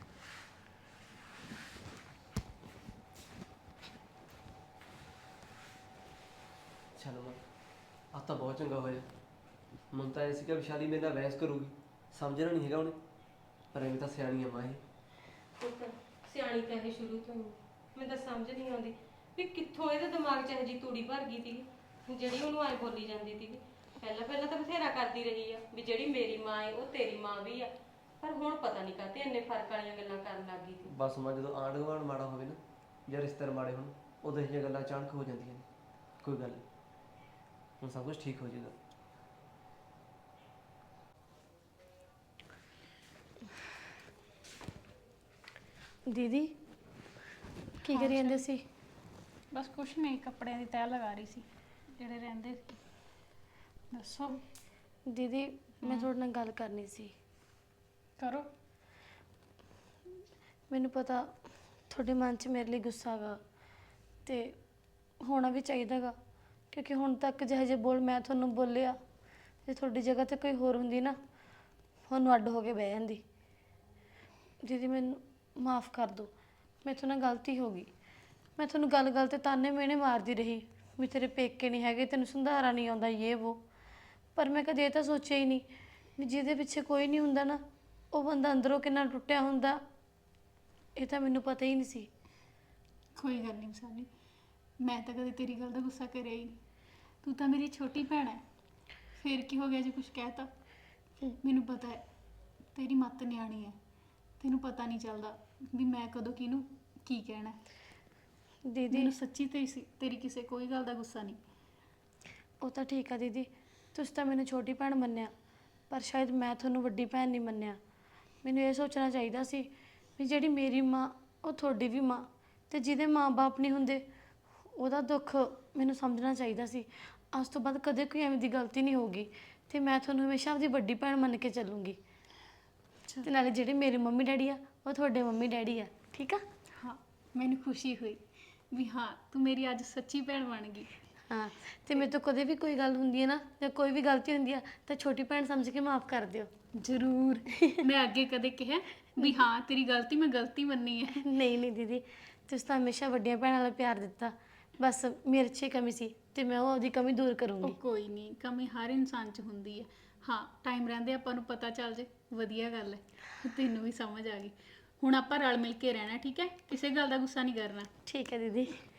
[SPEAKER 3] ਚਲੋ ਮਾਂ, ਆ ਤਾਂ ਬਹੁਤ ਚੰਗਾ ਹੋਇਆ। ਮੈਨੂੰ ਤਾਂ ਇਹ ਸੀਗਾ ਵਿਸ਼ਾਲੀ ਮੇਰੇ ਨਾਲ ਬਹਿਸ ਕਰੂਗੀ, ਸਮਝਣਾ ਨਹੀਂ ਹੈਗਾ ਉਹਨੇ, ਪਰ ਐਵੇਂ ਤਾਂ ਸਿਆਣੀ ਆ ਮਾਂ ਇਹ।
[SPEAKER 1] ਪੁੱਤ ਸਿਆਣੀ ਤਾਂ ਇਹ ਸ਼ੁਰੂ ਤੋਂ ਹੀ। ਮੈਨੂੰ ਤਾਂ ਸਮਝ ਨਹੀਂ ਆਉਂਦੀ ਵੀ ਕਿੱਥੋਂ ਇਹਦੇ ਦਿਮਾਗ 'ਚ ਇਹ ਜੀ ਤੂੜੀ ਭਰ ਗਈ ਸੀ ਜਿਹੜੀ ਉਹਨੂੰ ਐ ਬੋਲੀ ਜਾਂਦੀ ਸੀ। ਪਹਿਲਾਂ ਪਹਿਲਾਂ ਤਾਂ ਬਥੇਰਾ ਕਰਦੀ ਰਹੀ ਆ ਵੀ ਜਿਹੜੀ ਮੇਰੀ ਮਾਂ ਏ ਉਹ ਤੇਰੀ ਮਾਂ ਵੀ ਆ, ਪਰ ਹੁਣ ਪਤਾ ਨਹੀਂ ਕਾਹਤੇ ਇੰਨੇ ਫਰਕ ਵਾਲੀਆਂ ਗੱਲਾਂ ਕਰਨ ਲੱਗ ਗਈ ਸੀ।
[SPEAKER 3] ਬਸ ਮਾਂ, ਜਦੋਂ ਆਂਢ ਗੁਆਂਢ ਮਾੜਾ ਹੋਵੇ ਨਾ ਜਾਂ ਰਿਸ਼ਤੇਦਾਰ ਮਾੜੇ ਹੋਣ, ਉਦੋਂ ਇਹ ਜਿਹੀਆਂ ਗੱਲਾਂ ਅਚਾਨਕ ਹੋ ਜਾਂਦੀਆਂ ਨੇ। ਕੋਈ ਗੱਲ ਨਹੀਂ, ਹੁਣ ਸਭ ਕੁਝ ਠੀਕ ਹੋ ਜਾਏਗਾ।
[SPEAKER 4] ਦੀਦੀ ਕੀ ਕਰੀ ਜਾਂਦੇ ਸੀ?
[SPEAKER 2] ਬਸ ਕੁਛ ਨਹੀਂ, ਕੱਪੜਿਆਂ ਦੀ ਤੈਅ ਲਗਾ ਰਹੀ ਸੀ ਜਿਹੜੇ ਰਹਿੰਦੇ ਸੀ। ਦੱਸੋ।
[SPEAKER 4] ਦੀਦੀ ਮੈਂ ਤੁਹਾਡੇ ਨਾਲ ਗੱਲ ਕਰਨੀ ਸੀ।
[SPEAKER 2] ਕਰੋ।
[SPEAKER 4] ਮੈਨੂੰ ਪਤਾ ਤੁਹਾਡੇ ਮਨ 'ਚ ਮੇਰੇ ਲਈ ਗੁੱਸਾ ਗਾ ਤੇ ਹੋਣਾ ਵੀ ਚਾਹੀਦਾਗਾ, ਕਿਉਂਕਿ ਹੁਣ ਤੱਕ ਜਿਹੋ ਜਿਹੇ ਬੋਲ ਮੈਂ ਤੁਹਾਨੂੰ ਬੋਲਿਆ, ਜੇ ਤੁਹਾਡੀ ਜਗ੍ਹਾ ਤੇ ਕੋਈ ਹੋਰ ਹੁੰਦੀ ਨਾ, ਉਹਨੂੰ ਅੱਡ ਹੋ ਕੇ ਬਹਿ ਜਾਂਦੀ। ਦੀਦੀ ਮੈਨੂੰ ਮਾਫ ਕਰ ਦਿਓ, ਮੈਥੋਂ ਨਾ ਗਲਤੀ ਹੋ ਗਈ। ਮੈਂ ਤੁਹਾਨੂੰ ਗੱਲ ਗੱਲ ਤੇ ਤਾਨੇ ਮਿਹਣੇ ਮਾਰਦੀ ਰਹੀ ਵੀ ਤੇਰੇ ਪੇਕੇ ਨਹੀਂ ਹੈਗੇ, ਤੈਨੂੰ ਸੰਧਾਰਾ ਨਹੀਂ ਆਉਂਦਾ, ਇਹ ਵੋ। ਪਰ ਮੈਂ ਕਦੇ ਇਹ ਤਾਂ ਸੋਚਿਆ ਹੀ ਨਹੀਂ ਵੀ ਜਿਹਦੇ ਪਿੱਛੇ ਕੋਈ ਨਹੀਂ ਹੁੰਦਾ ਨਾ, ਉਹ ਬੰਦਾ ਅੰਦਰੋਂ ਕਿੰਨਾ ਟੁੱਟਿਆ ਹੁੰਦਾ। ਇਹ ਤਾਂ ਮੈਨੂੰ ਪਤਾ ਹੀ ਨਹੀਂ ਸੀ।
[SPEAKER 2] ਕੋਈ ਗੱਲ ਨਹੀਂ ਵਿਸਾਲੀ, ਮੈਂ ਤਾਂ ਕਦੇ ਤੇਰੀ ਗੱਲ ਦਾ ਗੁੱਸਾ ਕਰਿਆ ਹੀ ਨਹੀਂ। ਤੂੰ ਤਾਂ ਮੇਰੀ ਛੋਟੀ ਭੈਣ ਹੈ, ਫੇਰ ਕੀ ਹੋ ਗਿਆ ਜੇ ਕੁਝ ਕਹਿਤਾ। ਮੈਨੂੰ ਪਤਾ ਹੈ ਤੇਰੀ ਮੱਤ ਨਿਆਣੀ ਹੈ, ਤੈਨੂੰ ਪਤਾ ਨਹੀਂ ਚੱਲਦਾ ਵੀ ਮੈਂ ਕਦੋਂ ਕਿਹਨੂੰ ਕੀ ਕਹਿਣਾ ਹੈ।
[SPEAKER 4] ਦੀਦੀ
[SPEAKER 2] ਮੈਨੂੰ ਸੱਚੀ ਤੇ ਤੇਰੀ ਕਿਸੇ ਕੋਈ ਗੱਲ ਦਾ ਗੁੱਸਾ ਨਹੀਂ।
[SPEAKER 4] ਉਹ ਤਾਂ ਠੀਕ ਆ ਦੀਦੀ, ਤੁਸੀਂ ਤਾਂ ਮੈਨੂੰ ਛੋਟੀ ਭੈਣ ਮੰਨਿਆ, ਪਰ ਸ਼ਾਇਦ ਮੈਂ ਤੁਹਾਨੂੰ ਵੱਡੀ ਭੈਣ ਨਹੀਂ ਮੰਨਿਆ। ਮੈਨੂੰ ਇਹ ਸੋਚਣਾ ਚਾਹੀਦਾ ਸੀ ਵੀ ਜਿਹੜੀ ਮੇਰੀ ਮਾਂ ਉਹ ਤੁਹਾਡੀ ਵੀ ਮਾਂ, ਤੇ ਜਿਹਦੇ ਮਾਂ-ਬਾਪ ਨਹੀਂ ਹੁੰਦੇ ਉਹਦਾ ਦੁੱਖ ਮੈਨੂੰ ਸਮਝਣਾ ਚਾਹੀਦਾ ਸੀ। ਅੱਜ ਤੋਂ ਬਾਅਦ ਕਦੇ ਕੋਈ ਐਵੇਂ ਦੀ ਗਲਤੀ ਨਹੀਂ ਹੋਊਗੀ ਤੇ ਮੈਂ ਤੁਹਾਨੂੰ ਹਮੇਸ਼ਾ ਆਪਦੀ ਵੱਡੀ ਭੈਣ ਮੰਨ ਕੇ ਚੱਲੂੰਗੀ। ਤੇ ਨਾਲੇ ਜਿਹੜੇ ਮੇਰੇ ਮੰਮੀ ਡੈਡੀ ਆ ਉਹ ਤੁਹਾਡੇ ਮੰਮੀ ਡੈਡੀ ਆ, ਠੀਕ ਆ?
[SPEAKER 2] ਹਾਂ, ਮੈਨੂੰ ਖੁਸ਼ੀ ਹੋਈ ਵੀ ਹਾਂ ਤੂੰ ਮੇਰੀ ਅੱਜ ਸੱਚੀ ਭੈਣ ਬਣ ਗਈ।
[SPEAKER 4] ਹਾਂ, ਤੇ ਮੇਰੇ ਤੋਂ ਕਦੇ ਵੀ ਕੋਈ ਗੱਲ ਹੁੰਦੀ ਹੈ ਨਾ ਜਾਂ ਕੋਈ ਵੀ ਗਲਤੀ ਹੁੰਦੀ ਆ ਤਾਂ ਛੋਟੀ ਭੈਣ ਸਮਝ ਕੇ ਮਾਫ ਕਰ ਦਿਓ।
[SPEAKER 2] ਜ਼ਰੂਰ। ਮੈਂ ਅੱਗੇ ਕਦੇ ਕਿਹਾ ਵੀ ਹਾਂ ਤੇਰੀ ਗਲਤੀ ਮੈਂ ਗਲਤੀ ਮੰਨੀ ਹੈ?
[SPEAKER 4] ਨਹੀਂ ਨਹੀਂ ਦੀਦੀ, ਤੁਸੀਂ ਤਾਂ ਹਮੇਸ਼ਾ ਵੱਡੀਆਂ ਭੈਣਾਂ ਨਾਲ ਪਿਆਰ ਦਿੱਤਾ। ਬਸ ਮੇਰੇ 'ਚ ਹੀ ਕਮੀ ਸੀ ਤੇ ਮੈਂ ਉਹ ਉਹਦੀ ਕਮੀ ਦੂਰ
[SPEAKER 2] ਉਹ
[SPEAKER 4] ਕਰੂੰਗੀ।
[SPEAKER 2] ਕੋਈ ਨਹੀਂ, ਕਮੀ ਹਰ ਇਨਸਾਨ 'ਚ ਹੁੰਦੀ ਹੈ। ਹਾਂ, ਟਾਈਮ ਰਹਿੰਦੇ ਆਪਾਂ ਨੂੰ ਪਤਾ ਚੱਲ ਜੇ, ਵਧੀਆ ਗੱਲ ਹੈ। ਤੈਨੂੰ ਵੀ ਸਮਝ ਆ ਗਈ। ਹੁਣ ਆਪਾਂ ਰਲ ਮਿਲ ਕੇ ਰਹਿਣਾ, ਠੀਕ ਹੈ? ਕਿਸੇ ਗੱਲ ਦਾ ਗੁੱਸਾ ਨਹੀਂ ਕਰਨਾ।
[SPEAKER 4] ਠੀਕ ਹੈ ਦੀਦੀ।